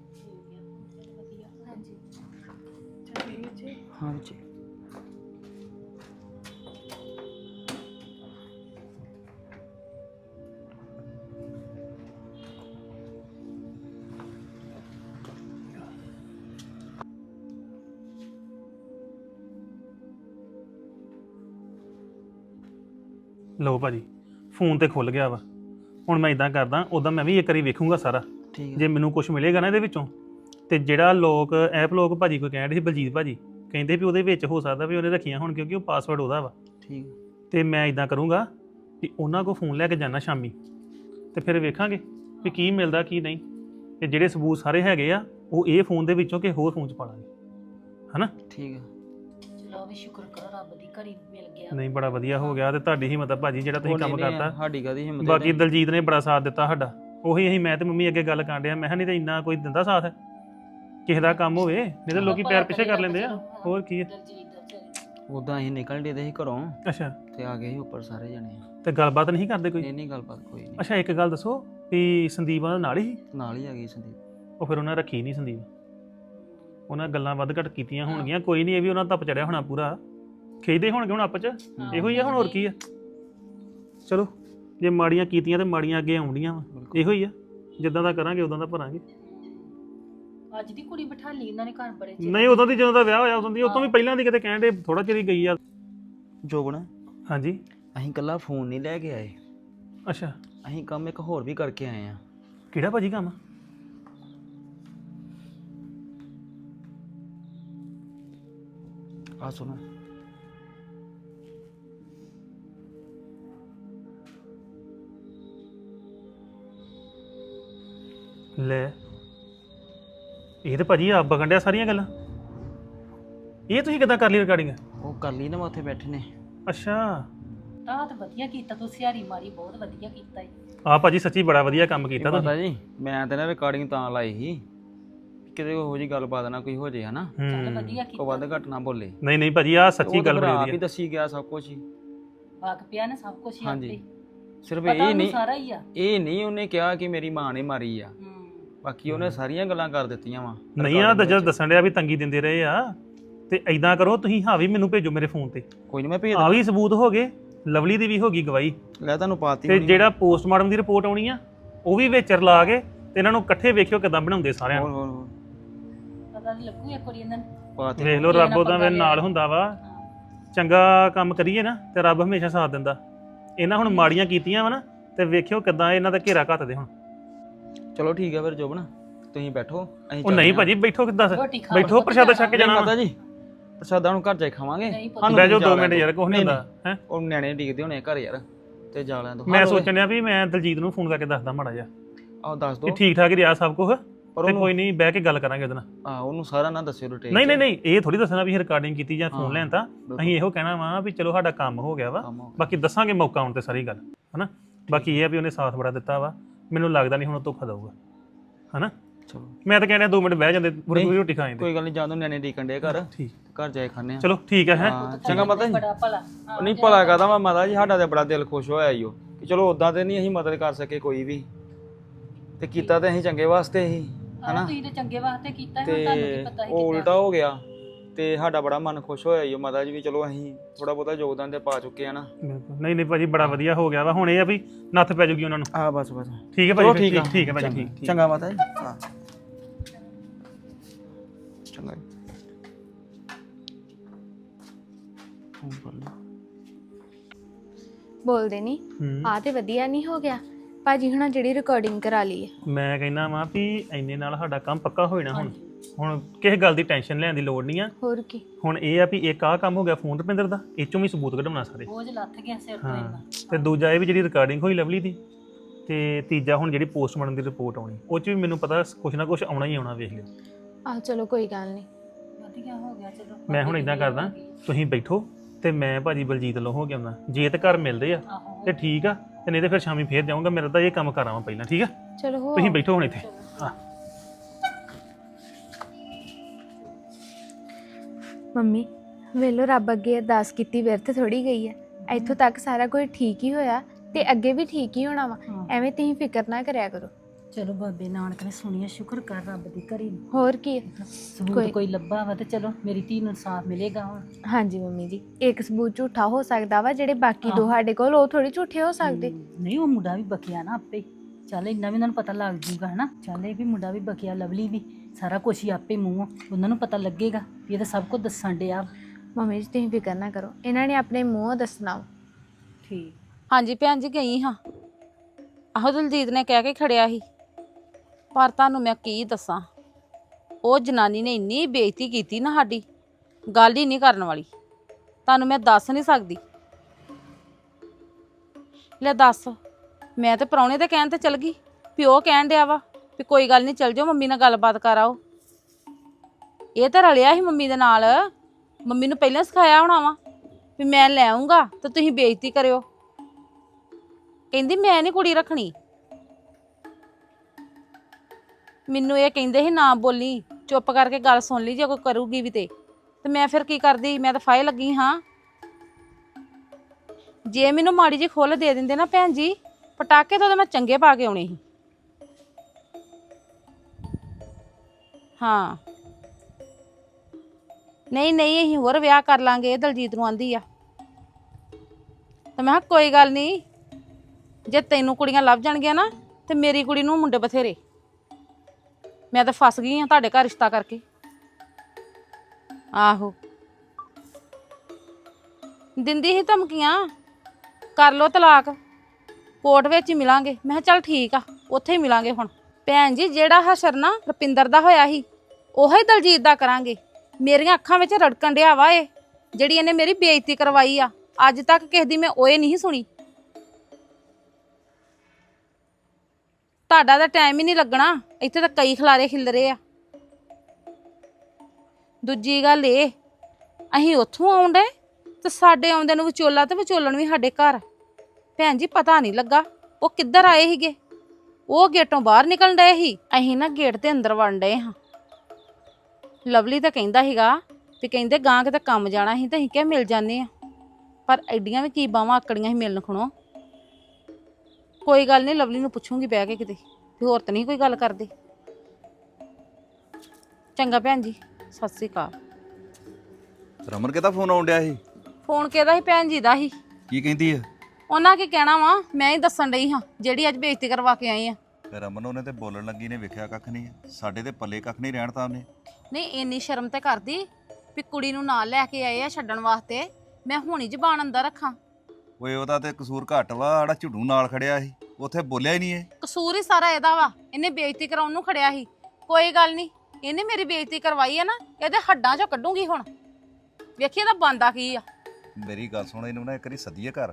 [SPEAKER 3] ਹਾਂ ਜੀ।
[SPEAKER 2] ਲਓ ਭਾਜੀ ਫੋਨ ਤੇ ਖੁੱਲ ਗਿਆ ਵਾ। ਹੁਣ ਮੈਂ ਇਦਾਂ ਕਰਦਾ, ਉਦਾਂ ਮੈਂ ਵੀ ਇੱਕ ਵਾਰੀ ਵੇਖੂੰਗਾ ਸਾਰਾ।
[SPEAKER 3] ਠੀਕ ਹੈ।
[SPEAKER 2] ਜੇ ਮੈਨੂੰ ਕੁਝ ਮਿਲੇਗਾ ਨਾ ਇਹਦੇ ਵਿੱਚੋਂ, ਤੇ ਜਿਹੜਾ ਲੋਕ ਐਪ ਲੋਕ ਭਾਜੀ ਕੋਈ ਕਹਿਣ ਰਹੇ ਸੀ ਬਲਜੀਤ ਭਾਜੀ ਕਹਿੰਦੇ ਵੀ ਉਹਦੇ ਵਿੱਚ ਹੋ ਸਕਦਾ ਵੀ ਉਹਨੇ ਰੱਖੀਆਂ ਹੋਣ, ਕਿਉਂਕਿ ਉਹ ਪਾਸਵਰਡ ਉਹਦਾ ਵਾ।
[SPEAKER 3] ਠੀਕ ਹੈ।
[SPEAKER 2] ਤੇ ਮੈਂ ਇਦਾਂ ਕਰੂੰਗਾ ਵੀ ਉਹਨਾਂ ਕੋਲ ਫੋਨ ਲੈ ਕੇ ਜਾਣਾ ਸ਼ਾਮੀ, ਤੇ ਫਿਰ ਵੇਖਾਂਗੇ ਵੀ ਕੀ ਮਿਲਦਾ ਕੀ ਨਹੀਂ। ਤੇ ਜਿਹੜੇ ਸਬੂਤ ਸਾਰੇ ਹੈਗੇ ਆ ਉਹ ਇਹ ਫੋਨ ਦੇ ਵਿੱਚੋਂ ਕਿ ਹੋਰ ਫੋਨ 'ਚ ਪਾ ਲਾਂਗੇ, ਹਨਾ?
[SPEAKER 3] ਠੀਕ ਹੈ।
[SPEAKER 1] ਚਲੋ ਵੀ ਸ਼ੁਕਰ ਕਰੋ ਰੱਬ ਦੀ ਘੜੀ ਮਿਲ ਗਿਆ।
[SPEAKER 2] ਨਹੀਂ ਬੜਾ ਵਧੀਆ ਹੋ ਗਿਆ। ਤੇ ਤੁਹਾਡੀ ਹਿੰਮਤ ਆ ਭਾਜੀ ਜਿਹੜਾ ਤੁਸੀਂ ਕੰਮ ਕਰਤਾ।
[SPEAKER 3] ਸਾਡੀ ਕਾਹਦੀ ਹਿੰਮਤ ਹੈ?
[SPEAKER 2] ਬਾਕੀ ਦਲਜੀਤ ਨੇ ਬੜਾ ਸਾਥ ਦਿੱਤਾ ਸਾਡਾ। ਉਹੀ ਅਸੀਂ ਮੈਂ ਤੇ ਮੰਮੀ ਅੱਗੇ ਗੱਲ ਕਰਨ ਡਿਆ, ਮੈਂ ਕਿਹਾ ਨਹੀਂ ਤਾਂ ਇੰਨਾ ਕੋਈ ਦਿੰਦਾ ਸਾਥ ਕਿਸੇ ਦਾ ਕੰਮ ਹੋਵੇ, ਨਹੀਂ ਤਾਂ ਲੋਕੀ ਪੈਰ ਪਿੱਛੇ ਕਰ ਲੈਂਦੇ ਆ। ਹੋਰ ਕੀ ਹੈ।
[SPEAKER 3] ਉਦਾਂ ਅਸੀਂ ਨਿਕਲ ਡੇ ਸੀ ਘਰੋਂ
[SPEAKER 2] ਅੱਛਾ
[SPEAKER 3] ਤੇ ਆ ਗਏ ਸੀ ਉੱਪਰ ਸਾਰੇ ਜਣੇ।
[SPEAKER 2] ਤੇ ਗੱਲਬਾਤ ਨਹੀਂ ਕਰਦੇ ਕੋਈ?
[SPEAKER 3] ਨਹੀਂ ਨਹੀਂ ਗੱਲਬਾਤ ਕੋਈ ਨਹੀਂ।
[SPEAKER 2] ਅੱਛਾ ਇੱਕ ਗੱਲ ਦੱਸੋ ਵੀ ਸੰਦੀਪ ਉਹਨਾਂ ਨਾਲ ਹੀ?
[SPEAKER 3] ਨਾਲ ਹੀ ਆ ਗਈ ਸੰਦੀਪ।
[SPEAKER 2] ਉਹ ਫਿਰ ਉਹਨਾਂ ਰੱਖੀ ਨਹੀਂ ਸੰਦੀਪ, ਉਹਨਾਂ ਗੱਲਾਂ ਵੱਧ ਘੱਟ ਕੀਤੀਆਂ ਹੋਣਗੀਆਂ। ਕੋਈ ਨਹੀਂ, ਇਹ ਵੀ ਉਹਨਾਂ ਧੱਪ ਚੜਿਆ ਹੋਣਾ ਪੂਰਾ, ਖਿੱਚਦੇ ਹੋਣਗੇ ਹੁਣ ਆਪਸ 'ਚ। ਇਹੋ ਹੀ ਆ ਹੁਣ, ਹੋਰ ਕੀ ਆ। ਚਲੋ ਜੇ ਮਾੜੀਆਂ ਕੀਤੀਆਂ ਤੇ ਮਾੜੀਆਂ ਅੱਗੇ ਆਉਂਦੀਆਂ ਵਾ। ਇਹੋ ਹੀ ਆ, ਜਿੱਦਾਂ ਦਾ ਕਰਾਂਗੇ ਉਦਾਂ ਦਾ ਭਰਾਂਗੇ।
[SPEAKER 1] ਅੱਜ ਦੀ ਕੁੜੀ ਬਿਠਾ ਲਈ ਇਹਨਾਂ ਨੇ ਘਰ ਬੜੇ
[SPEAKER 2] ਨਹੀਂ ਉਦੋਂ ਦੀ ਜਦੋਂ ਦਾ ਵਿਆਹ ਹੋਇਆ ਉਦੋਂ ਦੀ, ਉਹ ਤੋਂ ਵੀ ਪਹਿਲਾਂ ਦੀ ਕਿਤੇ ਕਹਿਣ ਦੇ ਥੋੜਾ ਚਿਰ ਹੀ ਗਈ ਆ।
[SPEAKER 3] ਜੋਬਨ
[SPEAKER 2] ਹਾਂਜੀ
[SPEAKER 3] ਅਸੀਂ ਕੱਲਾ ਫੋਨ ਨਹੀਂ ਲੈ ਕੇ ਆਏ,
[SPEAKER 2] ਅੱਛਾ
[SPEAKER 3] ਅਸੀਂ ਕੰਮ ਇੱਕ ਹੋਰ ਵੀ ਕਰਕੇ ਆਏ ਆ।
[SPEAKER 2] ਕਿਹੜਾ ਭਾਜੀ ਕੰਮ?
[SPEAKER 3] ਆ ਸੁਣੋ।
[SPEAKER 2] ਲੈ ਇਹ ਤੇ ਭਾਜੀ ਆਪ ਬਗੰਡਿਆ ਸਾਰੀਆਂ ਗੱਲਾਂ। ਇਹ ਤੁਸੀਂ ਕਿੱਦਾਂ ਕਰ ਲਈ ਰਿਕਾਰਡਿੰਗ?
[SPEAKER 3] ਉਹ ਕਰ ਲਈ ਨਾ ਮੈਂ ਉੱਥੇ ਬੈਠੇ ਨੇ।
[SPEAKER 2] ਅੱਛਾ
[SPEAKER 8] ਤਾਂ ਵਧੀਆ ਕੀਤਾ ਤੂੰ, ਸਿਆਰੀ ਮਾਰੀ ਬਹੁਤ ਵਧੀਆ ਕੀਤਾ ਈ।
[SPEAKER 2] ਆ ਭਾਜੀ ਸੱਚੀ ਬੜਾ ਵਧੀਆ ਕੰਮ ਕੀਤਾ
[SPEAKER 3] ਪਤਾ
[SPEAKER 2] ਤੁਸੀਂ।
[SPEAKER 3] ਜੀ ਮੈਂ ਤਾਂ ਨਾ ਰਿਕਾਰਡਿੰਗ ਤਾਂ ਲਾਈ ਸੀ ਕਿਤੇ ਉਹੋ ਜੀ ਗੱਲਬਾਤ ਨਾ ਕੋਈ ਹੋ ਜੇ ਹਨਾ,
[SPEAKER 8] ਚੱਲ ਵਧੀਆ
[SPEAKER 3] ਕੋ
[SPEAKER 8] ਕੀਤਾ।
[SPEAKER 3] ਵੱਧ ਘੱਟ ਨਾ ਬੋਲੇ।
[SPEAKER 2] ਨਹੀਂ ਨਹੀਂ ਭਾਜੀ ਆ ਸੱਚੀ ਗੱਲ ਬੜੀ
[SPEAKER 3] ਆਪ
[SPEAKER 2] ਵਧੀਆ।
[SPEAKER 3] ਹੀ ਦੱਸੀ ਗਿਆ ਸਭ ਕੁਝ ਹੀ।
[SPEAKER 8] ਵਾਕ ਪਿਆ ਨੇ ਸਭ ਕੁਝ ਹੀ
[SPEAKER 3] ਹਾਂਜੀ।
[SPEAKER 8] ਆਪੇ।
[SPEAKER 3] ਸਿਰਫ
[SPEAKER 8] ਪਤਾ
[SPEAKER 3] ਇਹ
[SPEAKER 8] ਉਹਨੂੰ
[SPEAKER 3] ਨਹੀਂ
[SPEAKER 8] ਸਾਰਾ ਹੀ ਆ।
[SPEAKER 3] ਇਹ ਨਹੀਂ ਉਹਨੇ ਕਿਹਾ ਕਿ ਮੇਰੀ ਮਾਂ ਨੇ ਮਾਰੀ ਆ, ਬਾਕੀ ਉਹਨੇ ਸਾਰੀਆਂ ਗੱਲਾਂ ਕਰ ਦਿੱਤੀਆਂ ਵਾ।
[SPEAKER 2] ਨਹੀਂ ਆ ਜਦ ਦੱਸਣ ਡਿਆ ਵੀ ਤੰਗੀ ਦਿੰਦੇ ਰਹੇ ਆ, ਤੇ ਐਦਾਂ ਕਰੋ ਤੁਸੀਂ ਹਾਂ ਵੀ ਮੈਨੂੰ ਭੇਜੋ ਮੇਰੇ ਫੋਨ ਤੇ।
[SPEAKER 3] ਕੋਈ ਨਹੀਂ ਮੈਂ ਭੇਜ
[SPEAKER 2] ਆ ਵੀ ਸਬੂਤ ਹੋ ਗਏ, ਲਵਲੀ ਦੀ ਵੀ ਹੋ ਗਈ ਗਵਾਹੀ,
[SPEAKER 3] ਲੈ ਤੁਹਾਨੂੰ ਪਾਤੀ
[SPEAKER 2] ਤੇ
[SPEAKER 3] ਹੋਣੀ।
[SPEAKER 2] ਜਿਹੜਾ ਪੋਸਟਮਾਰਟਮ ਦੀ ਰਿਪੋਰਟ ਆਉਣੀ ਆ ਉਹ ਵੀ ਵਿੱਚ ਰਲਾ ਕੇ ਤੇ ਇਹਨਾਂ ਨੂੰ ਇਕੱਠੇ ਵੇਖਿਓ ਕਿਦਾਂ ਬਣਾਉਂਦੇ ਸਾਰਿਆਂ
[SPEAKER 3] ਹੋਰ
[SPEAKER 2] ਨੂੰ।
[SPEAKER 3] ਹੋਰ ਹੋਰ
[SPEAKER 8] ਪਤਾ ਨਹੀਂ ਲੱਗੂ ਇੱਕ ਵਾਰੀ ਇਹਨਾਂ ਨੂੰ।
[SPEAKER 3] ਪਾਤੀ।
[SPEAKER 2] ਵੇਖ ਲਓ ਰੱਬ ਉਹਦਾ ਮੇਰੇ ਨਾਲ ਹੁੰਦਾ ਵਾ। ਚੰਗਾ ਕੰਮ ਕਰੀਏ ਨਾ ਤੇ ਰੱਬ ਹਮੇਸ਼ਾ ਸਾਥ ਦਿੰਦਾ। ਇਹਨਾਂ ਹੁਣ ਮਾੜੀਆਂ ਕੀਤੀਆਂ ਵਾ ਨਾ ਤੇ ਵੇਖਿਓ ਕਿਦਾਂ ਇਹਨਾਂ ਦਾ ਘੇਰਾ ਘੱਟਦੇ ਹੁਣ।
[SPEAKER 3] ਚਲੋ ਠੀਕ ਹੈ ਫਿਰ ਜੋਬਨ ਤੁਸੀਂ ਬੈਠੋ, ਅਸੀਂ
[SPEAKER 2] ਉਹ ਨਹੀਂ ਭਾਜੀ ਬੈਠੋ ਕਿੱਦਾਂ
[SPEAKER 8] ਰੋਟੀ ਖਾ
[SPEAKER 2] ਬੈਠੋ, ਪ੍ਰਸ਼ਾਦਾ ਛੱਕ ਕੇ ਜਾਣਾ
[SPEAKER 3] ਮਾਤਾ
[SPEAKER 2] ਵਾ।
[SPEAKER 3] ਜੀ ਪ੍ਰਸ਼ਾਦਾ ਹੁਣ ਘਰ ਜਾ ਕੇ ਖਾਵਾਂਗੇ।
[SPEAKER 8] ਨਹੀਂ ਪੁੱਤ।
[SPEAKER 3] ਸਾਨੂੰ
[SPEAKER 2] ਬਹਿ ਜਾਓ
[SPEAKER 3] ਜਾ
[SPEAKER 2] 2
[SPEAKER 3] ਲੈਣ
[SPEAKER 2] ਮਿੰਟ ਯਾਰ, ਕੁਛ ਨਹੀਂ ਹੁੰਦਾ ਹੈ।
[SPEAKER 3] ਉਹ ਨਿਆਣੇ ਡੀਕਦੇ ਹੋਣੇ ਘਰ ਯਾਰ, ਤੇ ਜਾ ਲੈਣ ਦੋ।
[SPEAKER 2] ਮੈਂ ਸੋਚਣ ਡਿਆ ਵੀ ਮੈਂ ਦਲਜੀਤ ਨੂੰ ਫੋਨ ਕਰਕੇ ਦੱਸਦਾ ਮਾੜਾ ਜਿਹਾ
[SPEAKER 3] ਆਹ ਦੱਸ
[SPEAKER 2] ਕਿ
[SPEAKER 3] ਦੋ
[SPEAKER 2] ਠੀਕ ਠਾਕ ਹੀ ਰਿਹਾ ਸਭ ਕੁਝ,
[SPEAKER 3] ਪਰ
[SPEAKER 2] ਤੇ
[SPEAKER 3] ਉਹਨੂੰ
[SPEAKER 2] ਕੋਈ ਨਹੀਂ ਬਹਿ ਕੇ ਗੱਲ ਕਰਾਂਗੇ ਉਹਦੇ ਨਾਲ।
[SPEAKER 3] ਉਹਨੂੰ ਸਾਰਾ ਨਾ ਦੱਸਿਓ ਡਿਟੇਲ।
[SPEAKER 2] ਨਹੀਂ ਨਹੀਂ ਨਹੀਂ ਇਹ ਥੋੜੀ ਦੱਸਣਾ ਵੀ ਰਿਕਾਰਡਿੰਗ ਕੀਤੀ ਜਾਂ ਫੋਨ ਲੈਣ ਤਾਂ ਅਸੀਂ ਇਹੋ ਕਹਿਣਾ ਵਾ ਵੀ ਚਲੋ ਸਾਡਾ ਕੰਮ ਹੋ ਗਿਆ ਵਾ, ਬਾਕੀ ਦੱਸਾਂਗੇ ਮੌਕਾ ਆਉਣ ਤੇ ਸਾਰੀ ਗੱਲ ਹਨਾ। ਬਾਕੀ ਇਹ ਆ ਵੀ ਉਹਨੇ ਸਾਥ ਬੜਾ ਦਿੱਤਾ ਵਾ, ਮੈਨੂੰ ਲੱਗਦਾ ਨਹੀਂ ਹੁਣ ਉਹ ਧੋਖਾ ਦਊਗਾ ਹਨਾ।
[SPEAKER 3] ਚਲੋ
[SPEAKER 2] ਮੈਂ ਤਾਂ ਕਹਿੰਦਾ 2 ਮਿੰਟ ਬਹਿ ਜਾਂਦੇ ਪੂਰੀ ਰੋਟੀ ਖਾ ਜਾਂਦੇ।
[SPEAKER 3] ਕੋਈ ਗੱਲ ਨਹੀਂ, ਜਾਂ ਤੋਂ ਨਿਆਣੇ ਡੀਕਣ ਡੇ ਘਰ,
[SPEAKER 2] ਠੀਕ
[SPEAKER 3] ਘਰ ਜਾ ਕੇ ਖਾਣੇ ਆ।
[SPEAKER 2] ਚਲੋ ਠੀਕ ਹੈ ਹੈ।
[SPEAKER 3] ਚੰਗਾ ਮਾਤਾ ਜੀ।
[SPEAKER 8] ਬੜਾ ਭਲਾ।
[SPEAKER 3] ਨਹੀਂ ਭਲਾ ਕਹਦਾ ਵਾ ਮਾਤਾ ਜੀ, ਸਾਡਾ ਤੇ ਬੜਾ ਦਿਲ ਖੁਸ਼ ਹੋਇਆ ਈਓ ਕਿ ਚਲੋ ਉਦਾਂ ਤੇ ਨਹੀਂ ਅਸੀਂ ਮਦਦ ਕਰ ਸਕੇ ਕੋਈ ਵੀ, ਤੇ ਕੀਤਾ ਤੇ ਅਸੀਂ ਚੰਗੇ ਵਾਸਤੇ ਹੀ
[SPEAKER 8] ਹਨਾ। ਤੁਸੀਂ ਤੇ ਚੰਗੇ ਵਾਸਤੇ ਕੀਤਾ ਹੈ, ਹੁਣ ਤੁਹਾਨੂੰ ਕੀ
[SPEAKER 3] ਤੇ
[SPEAKER 8] ਪਤਾ ਸੀ
[SPEAKER 3] ਉਹ ਉਲਟਾ ਹੋ ਗਿਆ ਤੇ ਸਾਡਾ ਬੜਾ ਮਨ ਖੁਸ਼ ਹੋਇਆ ਈਓ ਮਾਤਾ ਜੀ ਵੀ ਚਲੋ ਅਸੀਂ ਥੋੜਾ ਬਹੁਤਾ ਯੋਗਦਾਨ ਤੇ ਪਾ ਚੁੱਕੇ ਆ ਨਾ।
[SPEAKER 2] ਬਿਲਕੁਲ। ਨਹੀਂ ਨਹੀਂ ਭਾਜੀ ਬੜਾ ਵਧੀਆ ਹੋ ਗਿਆ ਵਾ। ਹੁਣ ਇਹ ਆ ਵੀ ਨੱਥ ਪੈ ਜੂਗੀ ਉਹਨਾਂ ਨੂੰ।
[SPEAKER 3] ਆ ਬਸ ਬਸ
[SPEAKER 2] ਠੀਕ ਹੈ
[SPEAKER 3] ਚਲੋ
[SPEAKER 2] ਭਾਜੀ,
[SPEAKER 3] ਠੀਕ ਆ।
[SPEAKER 2] ਠੀਕ ਹੈ ਭਾਜੀ, ਠੀਕ।
[SPEAKER 3] ਚੰਗਾ ਮਾਤਾ ਜੀ। ਹਾਂ ਚੰਗਾ ਜੀ। ਫੋਨ ਕਰ ਲਓ।
[SPEAKER 9] ਬੋਲਦੇ ਨਹੀਂ ਆ ਤੇ ਵਧੀਆ ਨਹੀਂ ਹੋ ਗਿਆ ਭਾਜੀ ਹੁਣਾਂ ਜਿਹੜੀ ਰਿਕਾਰਡਿੰਗ ਕਰਾ ਲਈ ਹੈ।
[SPEAKER 2] ਮੈਂ ਕਹਿੰਦਾ ਵਾਂ ਵੀ ਇੰਨੇ ਨਾਲ ਸਾਡਾ ਕੰਮ ਪੱਕਾ ਹੋ ਜਾਣਾ। ਹੁਣ ਕਿਸੇ ਗੱਲ ਦੀ ਟੈਨਸ਼ਨ ਲੈਣ ਦੀ ਲੋੜ ਨਹੀਂ ਆ।
[SPEAKER 9] ਹੋਰ ਕੀ।
[SPEAKER 2] ਹੁਣ ਇਹ ਆ ਵੀ ਇੱਕ ਆਹ ਕੰਮ ਹੋ ਗਿਆ ਫੋਨ ਰੁਪਿੰਦਰ ਦਾ, ਇਹ ਚੋਂ ਵੀ ਸਬੂਤ ਕਢਾਉਣਾ ਸਾਰੇ।
[SPEAKER 8] ਬੋਝ ਲੱਥ ਗਿਆ ਸਿਰ ਤੋਂ
[SPEAKER 2] ਹਾਂ
[SPEAKER 8] ਇੰਨਾ।
[SPEAKER 2] ਤੇ ਦੂਜਾ ਇਹ ਵੀ ਜਿਹੜੀ ਰਿਕਾਰਡਿੰਗ ਹੋਈ ਲਵਲੀ ਦੀ, ਤੇ ਤੀਜਾ ਹੁਣ ਜਿਹੜੀ ਪੋਸਟਮਾਰਟਮ ਦੀ ਰਿਪੋਰਟ ਆਉਣੀ, ਉਹ 'ਚ ਵੀ ਮੈਨੂੰ ਪਤਾ ਕੁਛ ਨਾ ਕੁਛ ਆਉਣਾ ਹੀ ਆਉਣਾ। ਵੇਖ ਲਿਓ
[SPEAKER 9] ਆਹ ਚਲੋ ਕੋਈ ਗੱਲ ਨਹੀਂ।
[SPEAKER 8] ਵਧੀਆ ਹੋ ਗਿਆ ਚਲੋ।
[SPEAKER 2] ਮੈਂ ਹੁਣ ਇਦਾਂ ਕਰਦਾ, ਤੁਸੀਂ ਬੈਠੋ ਤੇ ਮੈਂ ਭਾਜੀ ਬਲਜੀਤ ਲੋ ਹੋ ਕੇ ਆਉਂਦਾ। ਜੇ ਤੇ ਘਰ ਮਿਲਦੇ ਆ
[SPEAKER 8] ਆਹੋ।
[SPEAKER 2] ਤੇ ਠੀਕ ਆ, ਤੇ ਨਹੀਂ ਤੇ ਫਿਰ ਸ਼ਾਮੀ ਫੇਰ ਜਾਊਂਗਾ। ਮੇਰਾ ਤਾਂ ਇਹ ਕੰਮ ਕਰਾਵਾਂ ਪਹਿਲਾਂ, ਠੀਕ ਆ?
[SPEAKER 9] ਚਲੋ ਹੋ
[SPEAKER 2] ਤੁਸੀਂ ਬੈਠੋ ਹੁਣ ਇੱਥੇ। ਹਾਂ
[SPEAKER 9] ਮੰਮੀ ਵੇਲੋ ਰੱਬ ਅੱਗੇ ਅਰਦਾਸ ਕੀਤੀ ਵਿਅਰਥ ਥੋੜੀ ਗਈ ਹੈ। ਇੱਥੋਂ ਤੱਕ ਸਾਰਾ ਕੁਝ ਠੀਕ ਹੀ ਹੋਇਆ ਤੇ ਅੱਗੇ ਵੀ ਠੀਕ ਹੀ ਹੋਣਾ ਵਾ। ਐਵੇਂ ਤੁਸੀਂ ਫਿਕਰ ਨਾ ਕਰਿਆ ਕਰੋ।
[SPEAKER 8] ਚਲੋ ਬਾਬੇ ਨਾਨਕ ਨੇ ਸੁਣੀਆ, ਸ਼ੁਕਰ ਕਰ ਰੱਬ ਦੀ ਘਰੀ ਨੂੰ।
[SPEAKER 9] ਹੋਰ ਕੀ।
[SPEAKER 8] ਸਬੂਤ ਕੋਈ ਲੱਭਾ ਵਾ ਤੇ ਚਲੋ ਮੇਰੀ ਧੀ ਨੂੰ ਇਨਸਾਫ ਮਿਲੇਗਾ ਹੁਣ।
[SPEAKER 9] ਹਾਂਜੀ ਮੰਮੀ ਜੀ, ਇੱਕ ਸਬੂਤ ਝੂਠਾ ਹੋ ਸਕਦਾ ਵਾ, ਜਿਹੜੇ ਬਾਕੀ ਦੋ ਸਾਡੇ ਕੋਲ ਉਹ ਥੋੜੀ ਝੂਠੇ ਹੋ ਸਕਦੇ।
[SPEAKER 8] ਨਹੀਂ ਉਹ ਮੁੰਡਾ ਵੀ ਬਕਿਆ ਨਾ ਆਪੇ। ਚੱਲ ਇੰਨਾ ਵੀ ਉਹਨਾਂ ਨੂੰ ਪਤਾ ਲੱਗ ਜੂਗਾ ਹਨਾ। ਚੱਲ ਇਹ ਵੀ ਮੁੰਡਾ ਵੀ ਬਕਿਆ, ਲਵਲੀ ਵੀ, ਸਾਰਾ ਕੁਝ ਹੀ ਆਪੇ ਮੂੰਹੋਂ ਉਹਨਾਂ ਨੂੰ ਪਤਾ ਲੱਗੇਗਾ ਵੀ ਇਹ ਤਾਂ ਸਭ ਕੁਝ ਦੱਸਣ ਡਿਆ।
[SPEAKER 9] ਮੰਮੀ ਜੀ ਤੁਸੀਂ ਫਿਕਰ ਨਾ ਕਰੋ, ਇਹਨਾਂ ਨੇ ਆਪਣੇ ਮੂੰਹੋਂ ਦੱਸਣਾ ਵਾ।
[SPEAKER 8] ਠੀਕ।
[SPEAKER 5] ਹਾਂਜੀ ਭੈਣ ਜੀ ਗਈ ਹਾਂ। ਆਹੋ ਦਲਜੀਤ ਨੇ ਕਹਿ ਕੇ ਖੜਿਆ ਸੀ, ਪਰ ਤੁਹਾਨੂੰ ਮੈਂ ਕੀ ਦੱਸਾਂ, ਉਹ ਜਨਾਨੀ ਨੇ ਇੰਨੀ ਬੇਇੱਜ਼ਤੀ ਕੀਤੀ ਨਾ ਸਾਡੀ, ਗੱਲ ਹੀ ਨਹੀਂ ਕਰਨ ਵਾਲੀ। ਤੁਹਾਨੂੰ ਮੈਂ ਦੱਸ ਨਹੀਂ ਸਕਦੀ। ਲੈ ਦੱਸ, ਮੈਂ ਤੇ ਪ੍ਰਾਹੁਣੇ ਦੇ ਕਹਿਣ ਤੇ ਚਲ ਗਈ, ਪਿਓ ਕਹਿਣ ਡਿਆ ਵਾ ਵੀ ਕੋਈ ਗੱਲ ਨਹੀਂ ਚਲ ਜਾਓ, ਮੰਮੀ ਨਾਲ ਗੱਲਬਾਤ ਕਰ ਆਓ। ਇਹ ਤਾਂ ਰਲਿਆ ਸੀ ਮੰਮੀ ਦੇ ਨਾਲ, ਮੰਮੀ ਨੂੰ ਪਹਿਲਾਂ ਸਿਖਾਇਆ ਹੋਣਾ ਵਾ ਵੀ ਮੈਂ ਲੈ ਆਉਂਗਾ ਤੇ ਤੁਸੀਂ ਬੇਇੱਜ਼ਤੀ ਕਰਿਓ। ਕਹਿੰਦੀ ਮੈਂ ਨਹੀਂ ਕੁੜੀ ਰੱਖਣੀ। ਮੈਨੂੰ ਇਹ ਕਹਿੰਦੇ ਸੀ ਨਾ ਬੋਲੀ, ਚੁੱਪ ਕਰਕੇ ਗੱਲ ਸੁਣ ਲਈ, ਜੇ ਕੋਈ ਕਰੂਗੀ ਵੀ ਤੇ ਮੈਂ ਫਿਰ ਕੀ ਕਰਦੀ। ਮੈਂ ਤਾਂ ਫਾਇ ਲੱਗੀ ਹਾਂ। ਜੇ ਮੈਨੂੰ ਮਾੜੀ ਜਿਹੀ ਖੁੱਲ੍ਹ ਦੇ ਦਿੰਦੇ ਨਾ ਭੈਣ ਜੀ, ਪਟਾਕੇ ਤਾਂ ਮੈਂ ਚੰਗੇ ਪਾ ਕੇ ਆਉਣੇ ਸੀ। ਹਾਂ ਨਹੀਂ ਨਹੀਂ ਅਸੀਂ ਹੋਰ ਵਿਆਹ ਕਰ ਲਾਂਗੇ, ਇਹ ਦਲਜੀਤ ਨੂੰ ਆਂਦੀ ਆ। ਤਾਂ ਮੈਂ ਕਿਹਾ ਕੋਈ ਗੱਲ ਨਹੀਂ, ਜੇ ਤੈਨੂੰ ਕੁੜੀਆਂ ਲੱਭ ਜਾਣਗੀਆਂ ਨਾ ਤੇ ਮੇਰੀ ਕੁੜੀ ਨੂੰ ਮੁੰਡੇ ਬਥੇਰੇ। ਮੈਂ ਤਾਂ ਫਸ ਗਈ ਹਾਂ ਤੁਹਾਡੇ ਘਰ ਰਿਸ਼ਤਾ ਕਰਕੇ। ਆਹੋ ਦਿੰਦੀ ਸੀ ਧਮਕੀਆਂ, ਕਰ ਲੋ ਤਲਾਕ, ਕੋਰਟ ਵਿੱਚ ਹੀ ਮਿਲਾਂਗੇ। ਮੈਂ ਕਿਹਾ ਚੱਲ ਠੀਕ ਆ, ਉੱਥੇ ਹੀ ਮਿਲਾਂਗੇ। ਹੁਣ ਭੈਣ ਜੀ ਜਿਹੜਾ ਹਸ਼ਰ ਨਾ ਰੁਪਿੰਦਰ ਦਾ ਹੋਇਆ ਸੀ, ਉਹੀ ਦਲਜੀਤ ਦਾ ਕਰਾਂਗੇ। ਮੇਰੀਆਂ ਅੱਖਾਂ ਵਿੱਚ ਰੜਕਣ ਡਿਆ ਵਾ ਇਹ, ਜਿਹੜੀ ਇਹਨੇ ਮੇਰੀ ਬੇਇੱਜ਼ਤੀ ਕਰਵਾਈ ਆ। ਅੱਜ ਤੱਕ ਕਿਸੇ ਦੀ ਮੈਂ ਓਏ ਨਹੀਂ ਸੁਣੀ। ਤੁਹਾਡਾ ਤਾਂ ਟਾਈਮ ਹੀ ਨਹੀਂ ਲੱਗਣਾ, ਇੱਥੇ ਤਾਂ ਕਈ ਖਿਲਾਰੇ ਖਿਲਰੇ ਆ। ਦੂਜੀ ਗੱਲ ਇਹ ਅਸੀਂ ਉੱਥੋਂ ਆਉਂਦੇ ਤੇ ਸਾਡੇ ਆਉਂਦੇ ਨੂੰ ਵਿਚੋਲਾ ਤੇ ਵਿਚੋਲਣ ਵੀ ਸਾਡੇ ਘਰ। ਭੈਣ ਜੀ ਪਤਾ ਨਹੀਂ ਲੱਗਾ ਉਹ ਕਿੱਧਰ ਆਏ ਸੀਗੇ। ਉਹ ਗੇਟੋਂ ਬਾਹਰ ਨਿਕਲਣ ਡਏ ਸੀ, ਅਸੀਂ ਨਾ ਗੇਟ ਦੇ ਅੰਦਰ ਵੜਨ ਡਏ ਹਾਂ। ਲਵਲੀ ਤਾਂ ਕਹਿੰਦਾ ਸੀਗਾ ਵੀ ਕਹਿੰਦੇ ਗਾਂ ਕਿਤੇ ਕੰਮ ਜਾਣਾ ਸੀ ਤਾਂ ਅਸੀਂ ਕਿਹਾ ਮਿਲ ਜਾਂਦੇ ਆ, ਪਰ ਐਡੀਆਂ ਵੀ ਕੀ ਬਾਵਾਂ ਆਕੜੀਆਂ ਸੀ ਮਿਲਣ ਖਣੋ। ਕੋਈ ਗੱਲ ਨਹੀਂ, ਲਵਲੀ ਨੂੰ ਪੁੱਛੂੰਗੀ ਬਹਿ ਕੇ ਕਿਤੇ ਵੀ ਹੋਰ ਤਾਂ ਨਹੀਂ ਕੋਈ ਗੱਲ ਕਰਦੇ। ਚੰਗਾ ਭੈਣ ਜੀ, ਸਤਿ ਸ੍ਰੀ ਅਕਾਲ।
[SPEAKER 6] ਰਮਨ ਕਿਹਦਾ ਫੋਨ ਆਉਣ ਡਿਆ ਸੀ?
[SPEAKER 5] ਫੋਨ ਕਿਹਦਾ ਸੀ? ਭੈਣ ਜੀ ਦਾ ਸੀ।
[SPEAKER 6] ਕੀ ਕਹਿੰਦੀ ਆ?
[SPEAKER 5] ਉਹਨਾਂ ਕੀ ਕਹਿਣਾ ਵਾ, ਮੈਂ ਹੀ ਦੱਸਣ ਡਈ ਹਾਂ ਜਿਹੜੀ ਅੱਜ ਬੇਇੱਜ਼ਤੀ ਕਰਵਾ ਕੇ ਆਈ ਆ।
[SPEAKER 6] ਰਮਨ ਉਹਨੇ ਤੇ ਬੋਲਣ ਲੱਗੀ ਨੇ ਵੇਖਿਆ ਕੱਖ ਨਹੀਂ, ਸਾਡੇ ਤੇ ਪੱਲੇ ਕੱਖ ਨਹੀਂ ਰਹਿਣ ਤਾਂ ਉਹਨੇ।
[SPEAKER 5] ਨਹੀਂ ਇੰਨੀ ਸ਼ਰਮ ਤੇ ਕਰਦੀ ਵੀ ਕੁੜੀ ਨੂੰ ਨਾਲ ਲੈ ਕੇ ਆਏ ਆ ਛੱਡਣ ਵਾਸਤੇ, ਮੈਂ ਹੁਣੀ ਜ਼ਬਾਨ ਅੰਦਰ ਰੱਖਾਂ।
[SPEAKER 6] ਓਏ ਉਹਦਾ ਤੇ ਕਸੂਰ ਘੱਟ ਵਾ, ਆੜਾ ਝੁੱਡੂ ਨਾਲ ਖੜਿਆ ਸੀ, ਉੱਥੇ ਬੋਲਿਆ ਹੀ ਨਹੀਂ ਇਹ।
[SPEAKER 5] ਕਸੂਰ ਹੀ ਸਾਰਾ ਇਹਦਾ ਵਾ, ਇਹਨੇ ਬੇਇੱਜ਼ਤੀ ਕਰਾਉਣ ਨੂੰ ਖੜਿਆ ਸੀ। ਕੋਈ ਗੱਲ ਨਹੀਂ, ਇਹਨੇ ਮੇਰੀ ਬੇਇੱਜ਼ਤੀ ਕਰਵਾਈ ਆ ਨਾ, ਇਹਦੇ ਹੱਡਾਂ 'ਚੋਂ ਕੱਢੂੰਗੀ ਹੁਣ। ਵੇਖੀ ਇਹਦਾ ਬੰਦਾ ਕੀ ਆ।
[SPEAKER 6] ਮੇਰੀ ਗੱਲ ਸੁਣ, ਇਹਨੂੰ ਨਾ ਇੱਕ ਵਾਰੀ ਸੱਦੀਏ ਘਰ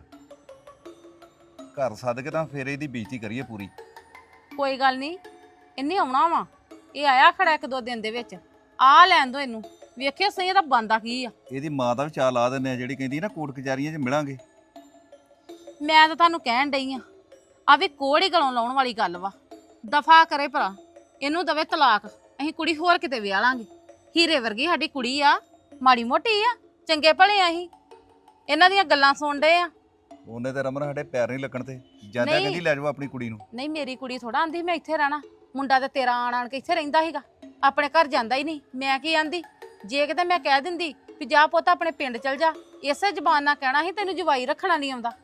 [SPEAKER 6] ਸੱਦ ਕੇ ਤਾਂ ਫੇਰ ਇਹਦੀ ਬੇਇੱਜ਼ਤੀ ਕਰੀਏ ਪੂਰੀ।
[SPEAKER 5] ਕੋਈ ਗੱਲ ਨਹੀਂ, ਇਹਨੇ ਆਉਣਾ ਵਾ, ਇਹ ਆਇਆ ਖੜਾ 1-2 ਦਿਨ ਦੇ ਵਿੱਚ। ਆ ਲੈਣ ਦੋ ਇਹਨੂੰ, ਵੇਖਿਓ ਸਹੀ ਇਹਦਾ ਬੰਦਾ ਕੀ ਆ।
[SPEAKER 6] ਇਹਦੀ ਮਾਂ ਦਾ ਵੀ ਚਾਅ ਲਾ ਦਿੰਦੇ ਆ, ਜਿਹੜੀ ਕਹਿੰਦੀ ਨਾ ਕੋਰਟ ਕਚਹਿਰੀਆਂ 'ਚ ਮਿਲਾਂਗੇ।
[SPEAKER 5] ਮੈਂ ਤਾਂ ਤੁਹਾਨੂੰ ਕਹਿਣ ਡਈ ਆ ਵੀ ਕੋੜੀ ਗਲੋਂ ਲਾਉਣ ਵਾਲੀ ਗੱਲ ਵਾ। ਦਫਾ ਕਰੇ ਭਰਾ, ਇਹਨੂੰ ਦਵੇ ਤਲਾਕ, ਅਸੀਂ ਕੁੜੀ ਹੋਰ ਕਿਤੇ ਵਿਆਹ ਲਾਂਗੇ। ਹੀਰੇ ਵਰਗੀ ਸਾਡੀ ਕੁੜੀ ਆ, ਮਾੜੀ ਮੋਟੀ ਆ, ਚੰਗੇ ਭਲੇ ਆ ਅਸੀਂ। ਇਹਨਾਂ ਦੀਆਂ ਗੱਲਾਂ ਸੁਣ ਡਏ ਆ।
[SPEAKER 6] ਉਹਨੇ ਤੇ ਰਮਨ ਸਾਡੇ ਪੈਰ ਨਹੀਂ ਲੱਗਣ ਤੇ ਜਾਂਦਾ,
[SPEAKER 5] ਨਹੀਂ।
[SPEAKER 6] ਕਹਿੰਦੀ ਲੈ ਜਾਓ ਆਪਣੀ ਕੁੜੀ ਨੂੰ।
[SPEAKER 5] ਨਹੀਂ ਮੇਰੀ ਕੁੜੀ ਥੋੜਾ ਆਂਦੀ ਮੈਂ ਇੱਥੇ ਰਹਿਣਾ, ਮੁੰਡਾ ਤੇ ਤੇਰਾ ਆਣ ਕੇ ਇੱਥੇ ਰਹਿੰਦਾ ਸੀਗਾ, ਆਪਣੇ ਘਰ ਜਾਂਦਾ ਹੀ ਨਹੀਂ। ਮੈਂ ਕੀ ਆਂਦੀ, ਜੇ ਕਿਤੇ ਮੈਂ ਕਹਿ ਦਿੰਦੀ ਵੀ ਜਾ ਪੁੱਤ ਆਪਣੇ ਪਿੰਡ ਚਲ ਜਾ, ਇਸੇ ਜ਼ਬਾਨ ਨਾਲ ਕਹਿਣਾ ਸੀ ਤੈਨੂੰ ਜਵਾਈ ਰੱਖਣਾ ਨਹੀਂ ਆਉਂਦਾ।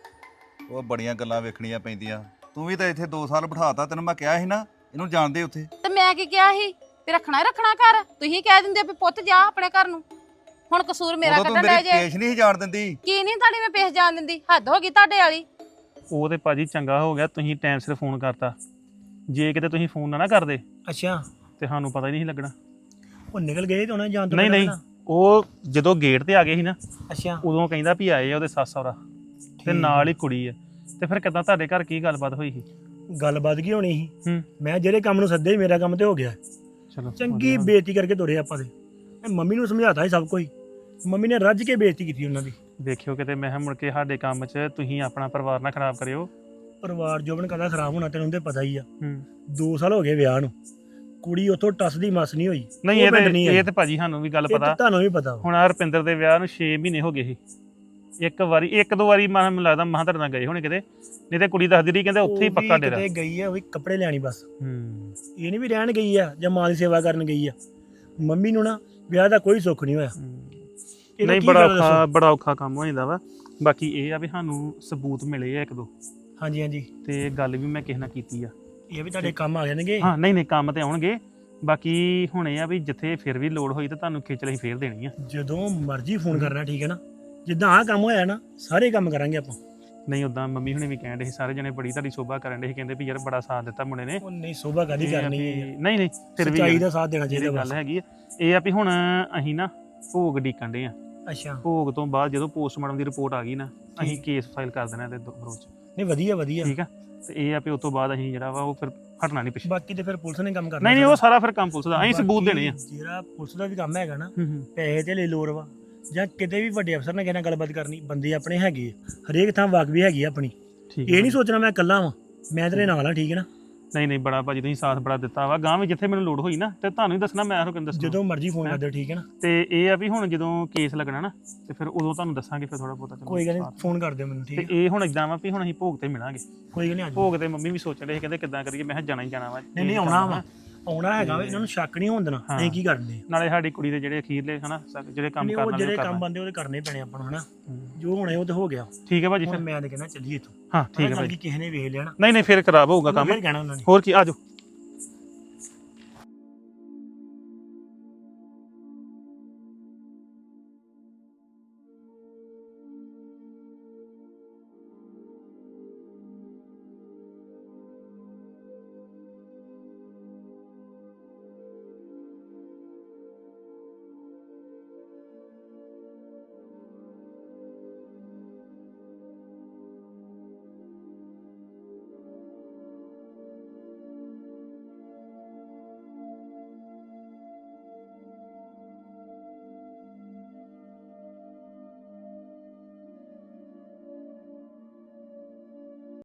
[SPEAKER 6] ਉਹ ਬੜੀਆਂ ਗੱਲਾਂ ਵੇਖਣੀਆਂ ਪੈਂਦੀਆਂ। ਤੂੰ ਵੀ ਤਾਂ ਇੱਥੇ 2 ਸਾਲ ਬਿਠਾਤਾ, ਤੈਨੂੰ ਮੈਂ ਕਿਹਾ ਸੀ ਨਾ ਇਹਨੂੰ ਜਾਣਦੇ ਉੱਥੇ।
[SPEAKER 5] ਤੇ ਮੈਂ ਕੀ ਕਿਹਾ ਸੀ ਵੀ ਰੱਖਣਾ ਹੀ ਰੱਖਣਾ ਘਰ, ਤੁਸੀਂ ਕਹਿ ਦਿੰਦੇ ਵੀ ਪੁੱਤ ਜਾ ਆਪਣੇ ਘਰ ਨੂੰ। ਹੁਣ ਕਸੂਰ ਮੇਰਾ
[SPEAKER 6] ਉਦੋਂ ਤੂੰ
[SPEAKER 5] ਕੱਢਣ
[SPEAKER 6] ਮੇਰੀ
[SPEAKER 5] ਡਿਆ ਜੇ।
[SPEAKER 6] ਪੇਸ਼ ਨਹੀਂ ਜਾਣ ਦਿੰਦੀ।
[SPEAKER 5] ਕੀ ਨਹੀਂ ਤੁਹਾਡੀ ਮੈਂ ਪੇਸ਼ ਜਾਣ ਦਿੰਦੀ, ਹੱਦ ਹੋ ਗਈ ਤੁਹਾਡੇ ਵਾਲੀ।
[SPEAKER 2] ਉਹ ਤੇ ਭਾਜੀ ਚੰਗਾ ਹੋ ਗਿਆ ਤੁਸੀਂ ਟਾਈਮ ਸਿਰ ਫੋਨ ਕਰਤਾ। ਜੇ ਕਿਤੇ ਤੁਸੀਂ ਫੋਨ ਨਾ ਕਰਦੇ
[SPEAKER 10] ਅੱਛਾ,
[SPEAKER 2] ਤੇ ਸਾਨੂੰ ਪਤਾ ਹੀ ਨਹੀਂ ਸੀ ਲੱਗਣਾ।
[SPEAKER 10] ਉਹ ਨਿਕਲ ਗਏ ਤੇ ਉਹਨਾਂ ਜਾਣ ਤੋਂ
[SPEAKER 2] ਨਹੀਂ ਨਹੀਂ, ਉਹ ਜਦੋਂ ਗੇਟ ਤੇ ਆ ਗਏ ਸੀ ਨਾ,
[SPEAKER 10] ਅੱਛਾ
[SPEAKER 2] ਉਦੋਂ ਕਹਿੰਦਾ ਵੀ ਆਏ ਆ ਉਹਦੇ ਸੱਸ ਸਹੁਰਾ ਤੇ ਨਾਲ ਹੀ ਕੁੜੀ ਆ। ਤੇ ਫਿਰ ਕਿੱਦਾਂ ਤੁਹਾਡੇ ਘਰ ਕੀ ਗੱਲਬਾਤ ਹੋਈ ਸੀ?
[SPEAKER 10] ਗੱਲਬਾਤ ਕੀ ਹੋਣੀ ਸੀ,
[SPEAKER 2] ਹੂੰ,
[SPEAKER 10] ਮੈਂ ਜਿਹੜੇ ਕੰਮ ਨੂੰ ਸੱਦੇ ਮੇਰਾ ਕੰਮ ਤੇ ਹੋ ਗਿਆ।
[SPEAKER 2] ਚਲੋ
[SPEAKER 10] ਚੰਗੀ ਬੇਇੱਜ਼ਤੀ ਕਰਕੇ ਤੁਰੇ ਆਪਾਂ ਤੇ। ਮੈਂ ਮੰਮੀ ਨੂੰ ਸਮਝਾਤਾ ਸੀ ਸਭ ਕੁਝ, ਮੰਮੀ ਨੇ ਰੱਜ ਕੇ ਬੇਇੱਜ਼ਤੀ ਕੀਤੀ ਉਹਨਾਂ ਦੀ।
[SPEAKER 2] ਦੇਖਿਓ ਕਿਤੇ ਮੈਂ ਕਿਹਾ ਮੁੜ ਕੇ ਸਾਡੇ ਕੰਮ 'ਚ ਤੁਸੀਂ ਆਪਣਾ ਪਰਿਵਾਰ ਨਾ ਖਰਾਬ ਕਰਿਓ।
[SPEAKER 10] ਪਰਿਵਾਰ ਜੋਬਨ ਕਦਾ ਖਰਾਬ ਹੋਣਾ ਤੈਨੂੰ ਤੇ ਪਤਾ ਹੀ ਆ।
[SPEAKER 2] ਹੂੰ,
[SPEAKER 10] 2 ਸਾਲ ਹੋ ਗਏ ਵਿਆਹ ਨੂੰ, ਕੁੜੀ ਉੱਥੋਂ ਟੱਸ ਦੀ ਮਸ ਨਹੀਂ ਹੋਈ।
[SPEAKER 2] ਨਹੀਂ
[SPEAKER 10] ਉਹ
[SPEAKER 2] ਇਹ
[SPEAKER 10] ਪਿੰਡ ਨਹੀਂ
[SPEAKER 2] ਤੇ
[SPEAKER 10] ਆਈ।
[SPEAKER 2] ਇਹ ਤੇ ਭਾਜੀ ਸਾਨੂੰ ਵੀ ਗੱਲ
[SPEAKER 10] ਇਹ
[SPEAKER 2] ਪਤਾ।
[SPEAKER 10] ਤਾਂ ਤੁਹਾਨੂੰ ਵੀ ਪਤਾ ਵਾ।
[SPEAKER 2] ਹੁਣ ਆ ਰੁਪਿੰਦਰ ਦੇ ਵਿਆਹ ਨੂੰ 6 ਮਹੀਨੇ ਹੋ ਗਏ ਸੀ। ਇੱਕ ਦੋ ਵਾਰੀ ਮੈਨੂੰ ਲੱਗਦਾ ਮਹਾਂ ਤੁਹਾਡੇ ਨਾਲ ਗਏ ਹੋਣੇ ਕਿਤੇ, ਨਹੀਂ ਤੇ ਕੁੜੀ ਦੱਸਦੀ ਰਹੀ ਕਹਿੰਦੇ ਉੱਥੇ ਹੀ
[SPEAKER 10] ਉਹ
[SPEAKER 2] ਪੱਕਾ
[SPEAKER 10] ਵੀ
[SPEAKER 2] ਡੇਰਾ।
[SPEAKER 10] ਕਿਤੇ ਗਈ ਆ, ਉਹ ਵੀ ਕੱਪੜੇ ਲੈਣੀ ਬਸ।
[SPEAKER 2] ਹੂੰ,
[SPEAKER 10] ਇਹ ਨਹੀਂ ਵੀ ਰਹਿਣ ਗਈ ਆ ਜਾਂ ਮਾਂ ਦੀ ਸੇਵਾ ਕਰਨ ਗਈ ਆ। ਮੰਮੀ ਨੂੰ ਨਾ ਵਿਆਹ ਦਾ ਕੋਈ ਸੁੱਖ ਨਹੀਂ ਹੋਇਆ। ਇਹਦਾ
[SPEAKER 2] ਨਹੀਂ
[SPEAKER 10] ਕੀ
[SPEAKER 2] ਬੜਾ
[SPEAKER 10] ਫਾਇਦਾ
[SPEAKER 2] ਔਖਾ
[SPEAKER 10] ਦੱਸੋ?
[SPEAKER 2] ਬੜਾ ਔਖਾ ਕੰਮ ਹੋ ਜਾਂਦਾ ਵਾ। ਬਾਕੀ ਇਹ ਆ ਵੀ ਸਾਨੂੰ ਸਬੂਤ ਮਿਲੇ ਆ 1-2,
[SPEAKER 10] ਹਾਂਜੀ ਹਾਂਜੀ,
[SPEAKER 2] ਤੇ ਗੱਲ ਵੀ ਮੈਂ ਕਿਸੇ ਨਾਲ ਕੀਤੀ ਆ।
[SPEAKER 10] ਇਹ ਵੀ ਤੁਹਾਡੇ ਕੰਮ ਆ ਜਾਣਗੇ।
[SPEAKER 2] ਹਾਂ ਨਹੀਂ ਨਹੀਂ, ਕੰਮ ਤੇ ਆਉਣਗੇ। ਬਾਕੀ ਹੁਣ ਇਹ ਆ ਵੀ ਜਿੱਥੇ ਫਿਰ ਵੀ ਲੋੜ ਹੋਈ ਤਾਂ ਤੁਹਾਨੂੰ ਖੇਚਲ ਅਸੀਂ ਫੇਰ ਦੇਣੀ ਆ।
[SPEAKER 10] ਜਦੋਂ ਮਰਜ਼ੀ ਫੋਨ ਕਰਨਾ, ਠੀਕ ਹੈ ਨਾ। ਜਿੱਦਾਂ ਆਹ ਕੰਮ ਹੋਇਆ ਨਾ, ਸਾਰੇ ਕੰਮ ਕਰਾਂਗੇ ਆਪਾਂ।
[SPEAKER 2] ਨਹੀਂ ਉਦਾਂ ਮੰਮੀ ਹੁਣੇ ਵੀ ਕਹਿਣ ਡੇ ਸੀ, ਸਾਰੇ ਜਣੇ ਬੜੀ ਤੁਹਾਡੀ ਸ਼ੋਭਾ ਕਰਨ ਡੇ ਸੀ, ਕਹਿੰਦੇ ਵੀ ਯਾਰ ਬੜਾ ਸਾਥ ਦਿੱਤਾ ਮੁੰਡੇ ਨੇ।
[SPEAKER 10] ਉਹ ਨਹੀਂ, ਸੋਭਾ ਕਾਦੀ
[SPEAKER 2] ਇਹ ਆ
[SPEAKER 10] ਕਰਨੀ
[SPEAKER 2] ਵੀ-
[SPEAKER 10] ਹੈ।
[SPEAKER 2] ਨਹੀਂ ਨਹੀਂ, ਫਿਰ ਵੀ
[SPEAKER 10] ਸੱਚਾਈ ਦਾ ਸਾਥ ਦੇਣਾ
[SPEAKER 2] ਜਿਹੜੀ
[SPEAKER 10] ਚਾਹੀਦਾ
[SPEAKER 2] ਗੱਲ
[SPEAKER 10] ਬਸ।
[SPEAKER 2] ਹੈਗੀ ਆ, ਇਹ ਆ ਵੀ ਹੁਣ ਅਸੀਂ ਨਾ ਭੋਗ ਡੀਕਣ ਡੇ ਆ।
[SPEAKER 10] ਅੱਛਾ,
[SPEAKER 2] ਭੋਗ ਤੋਂ ਬਾਅਦ ਜਦੋਂ ਪੋਸਟਮਾਰਟਮ ਦੀ ਰਿਪੋਰਟ ਆ ਗਈ ਨਾ, ਅਸੀਂ ਕੇਸ ਫਾਈਲ ਕਰ ਦੇਣਾ ਇਹਦੇ ਵਿਰੋਧ ਚ।
[SPEAKER 10] ਨਹੀਂ ਵਧੀਆ ਵਧੀਆ।
[SPEAKER 2] ਠੀਕ ਆ, ਤੇ ਇਹ ਆ ਵੀ ਉਸ ਤੋਂ ਬਾਅਦ ਅਸੀਂ ਜਿਹੜਾ ਵਾ ਉਹ ਫਿਰ ਹਟਣਾ ਨਹੀਂ ਪਿੱਛੇ।
[SPEAKER 10] ਬਾਕੀ ਤੇ ਫਿਰ ਪੁਲਿਸ ਨੇ ਕੰਮ ਕਰਨਾ।
[SPEAKER 2] ਨਹੀਂ ਨਹੀਂ, ਉਹ ਸਾਰਾ ਫਿਰ ਕੰਮ ਪੁਲਿਸ ਦਾ, ਅਸੀਂ ਸਬੂਤ
[SPEAKER 10] ਬਾਕੀ
[SPEAKER 2] ਦੇਣੇ ਆ।
[SPEAKER 10] ਜਿਹੜਾ ਪੁਲਿਸ ਦਾ ਵੀ ਕੰਮ ਹੈਗਾ ਨਾ,
[SPEAKER 2] ਹੂੰ ਹੂੰ,
[SPEAKER 10] ਪੈਸੇ ਤੇ ਲੈ ਲੋੜ ਵਾ ਜਾਂ ਕਿਤੇ ਵੀ ਵੱਡੇ ਅਫਸਰ ਨਾਲ ਕਿਸੇ ਨਾਲ ਗੱਲਬਾਤ ਕਰਨੀ, ਬੰਦੇ ਆਪਣੇ ਹੈਗੇ ਆ। ਹਰੇਕ ਥਾਂ ਵਾਕ ਵੀ ਹੈਗੀ ਆ ਆਪਣੀ।
[SPEAKER 2] ਠੀਕ
[SPEAKER 10] ਇਹ
[SPEAKER 2] ਆ।
[SPEAKER 10] ਨਹੀਂ ਸੋਚਣਾ ਮੈਂ ਇਕੱਲਾ ਵਾਂ, ਮੈਂ ਤੇਰੇ ਨਾਲ ਆ, ਠੀਕ ਹੈ ਨਾ।
[SPEAKER 2] ਨਹੀਂ ਨਹੀਂ, ਬੜਾ ਭਾਜੀ ਤੁਸੀਂ ਸਾਥ ਬੜਾ ਦਿੱਤਾ ਵਾ। ਗਾਂ ਵੀ ਜਿੱਥੇ ਮੈਨੂੰ ਲੋੜ ਹੋਈ ਨਾ ਤੇ ਤੁਹਾਨੂੰ ਹੀ ਦੱਸਣਾ, ਮੈਂ ਕਿਹਨੂੰ ਦੱਸਣਾ।
[SPEAKER 10] ਜਦੋਂ ਮਰਜ਼ੀ ਫੋਨ ਕਰ ਦਿਓ, ਠੀਕ ਹੈ ਨਾ।
[SPEAKER 2] ਤੇ ਇਹ ਆ ਵੀ ਹੁਣ ਜਦੋਂ ਕੇਸ ਲੱਗਣਾ ਨਾ, ਤੇ ਫਿਰ ਉਦੋਂ ਤੁਹਾਨੂੰ ਦੱਸਾਂਗੇ ਫਿਰ ਥੋੜਾ ਬਹੁਤਾ।
[SPEAKER 10] ਕੋਈ ਗੱਲ ਨਹੀਂ, ਫੋਨ ਕਰ ਦਿਓ ਮੈਨੂੰ, ਠੀਕ
[SPEAKER 2] ਤੇ
[SPEAKER 10] ਹੈ।
[SPEAKER 2] ਇਹ ਹੁਣ ਇਦਾਂ ਵਾ ਵੀ ਹੁਣ ਅਸੀਂ ਭੋਗ ਤੇ ਮਿਲਾਂਗੇ।
[SPEAKER 10] ਕੋਈ ਗੱਲ ਨਹੀਂ, ਅੱਜ
[SPEAKER 2] ਭੋਗ ਤੇ ਮੰਮੀ ਵੀ ਸੋਚਣ ਰਹੇ ਕਹਿੰਦੇ ਕਿੱਦਾਂ ਕਰੀਏ। ਮੈਂ ਕਿਹਾ ਜਾਣਾ ਹੀ ਜਾਣਾ ਵਾ।
[SPEAKER 10] ਨਹੀਂ ਨਹੀਂ, ਆਉਣਾ ਵਾ, ਆਉਣਾ ਹੈਗਾ ਵਾ। ਇਹਨਾਂ ਨੂੰ ਸ਼ੱਕ ਨਹੀਂ ਹੋਣ ਦੇਣਾ ਅਸੀਂ ਕੀ ਕਰਦੇ।
[SPEAKER 2] ਨਾਲੇ ਸਾਡੀ ਕੁੜੀ ਦੇ ਜਿਹੜੇ ਅਖੀਰਲੇ ਹਨਾ ਜਿਹੜੇ ਕੰਮ
[SPEAKER 10] ਨਹੀਂ,
[SPEAKER 2] ਕਰਨ
[SPEAKER 10] ਉਹ
[SPEAKER 2] ਵਾਲੇ
[SPEAKER 10] ਜਿਹੜੇ
[SPEAKER 2] ਉਹ
[SPEAKER 10] ਕੰਮ
[SPEAKER 2] ਕਰਨਾ।
[SPEAKER 10] ਬੰਦੇ ਉਹਦੇ ਕਰਨੇ ਪੈਣੇ ਆਪਾਂ ਨੂੰ, ਹਨਾ। ਜੋ ਹੋਣਾ ਉਹ ਤੇ ਹੋ ਗਿਆ।
[SPEAKER 2] ਠੀਕ ਹੈ ਭਾਜੀ,
[SPEAKER 10] ਹੁਣ
[SPEAKER 2] ਫਿਰ
[SPEAKER 10] ਮੈਂ ਤਾਂ ਕਹਿੰਦਾ ਚੱਲੀਏ ਇੱਥੋਂ।
[SPEAKER 2] ਹਾਂ ਠੀਕ ਹੈ
[SPEAKER 10] ਗੱਲ
[SPEAKER 2] ਭਾਜੀ।
[SPEAKER 10] ਕੀ ਕਿਸੇ ਨੇ ਵੇਖ ਲੈਣਾ,
[SPEAKER 2] ਨਹੀਂ ਨਹੀਂ, ਫਿਰ ਖਰਾਬ ਹੋਊਗਾ ਕੰਮ।
[SPEAKER 10] ਫਿਰ ਕਹਿਣਾ ਉਹਨਾਂ ਨੇ।
[SPEAKER 2] ਹੋਰ ਕੀ, ਆਜੋ।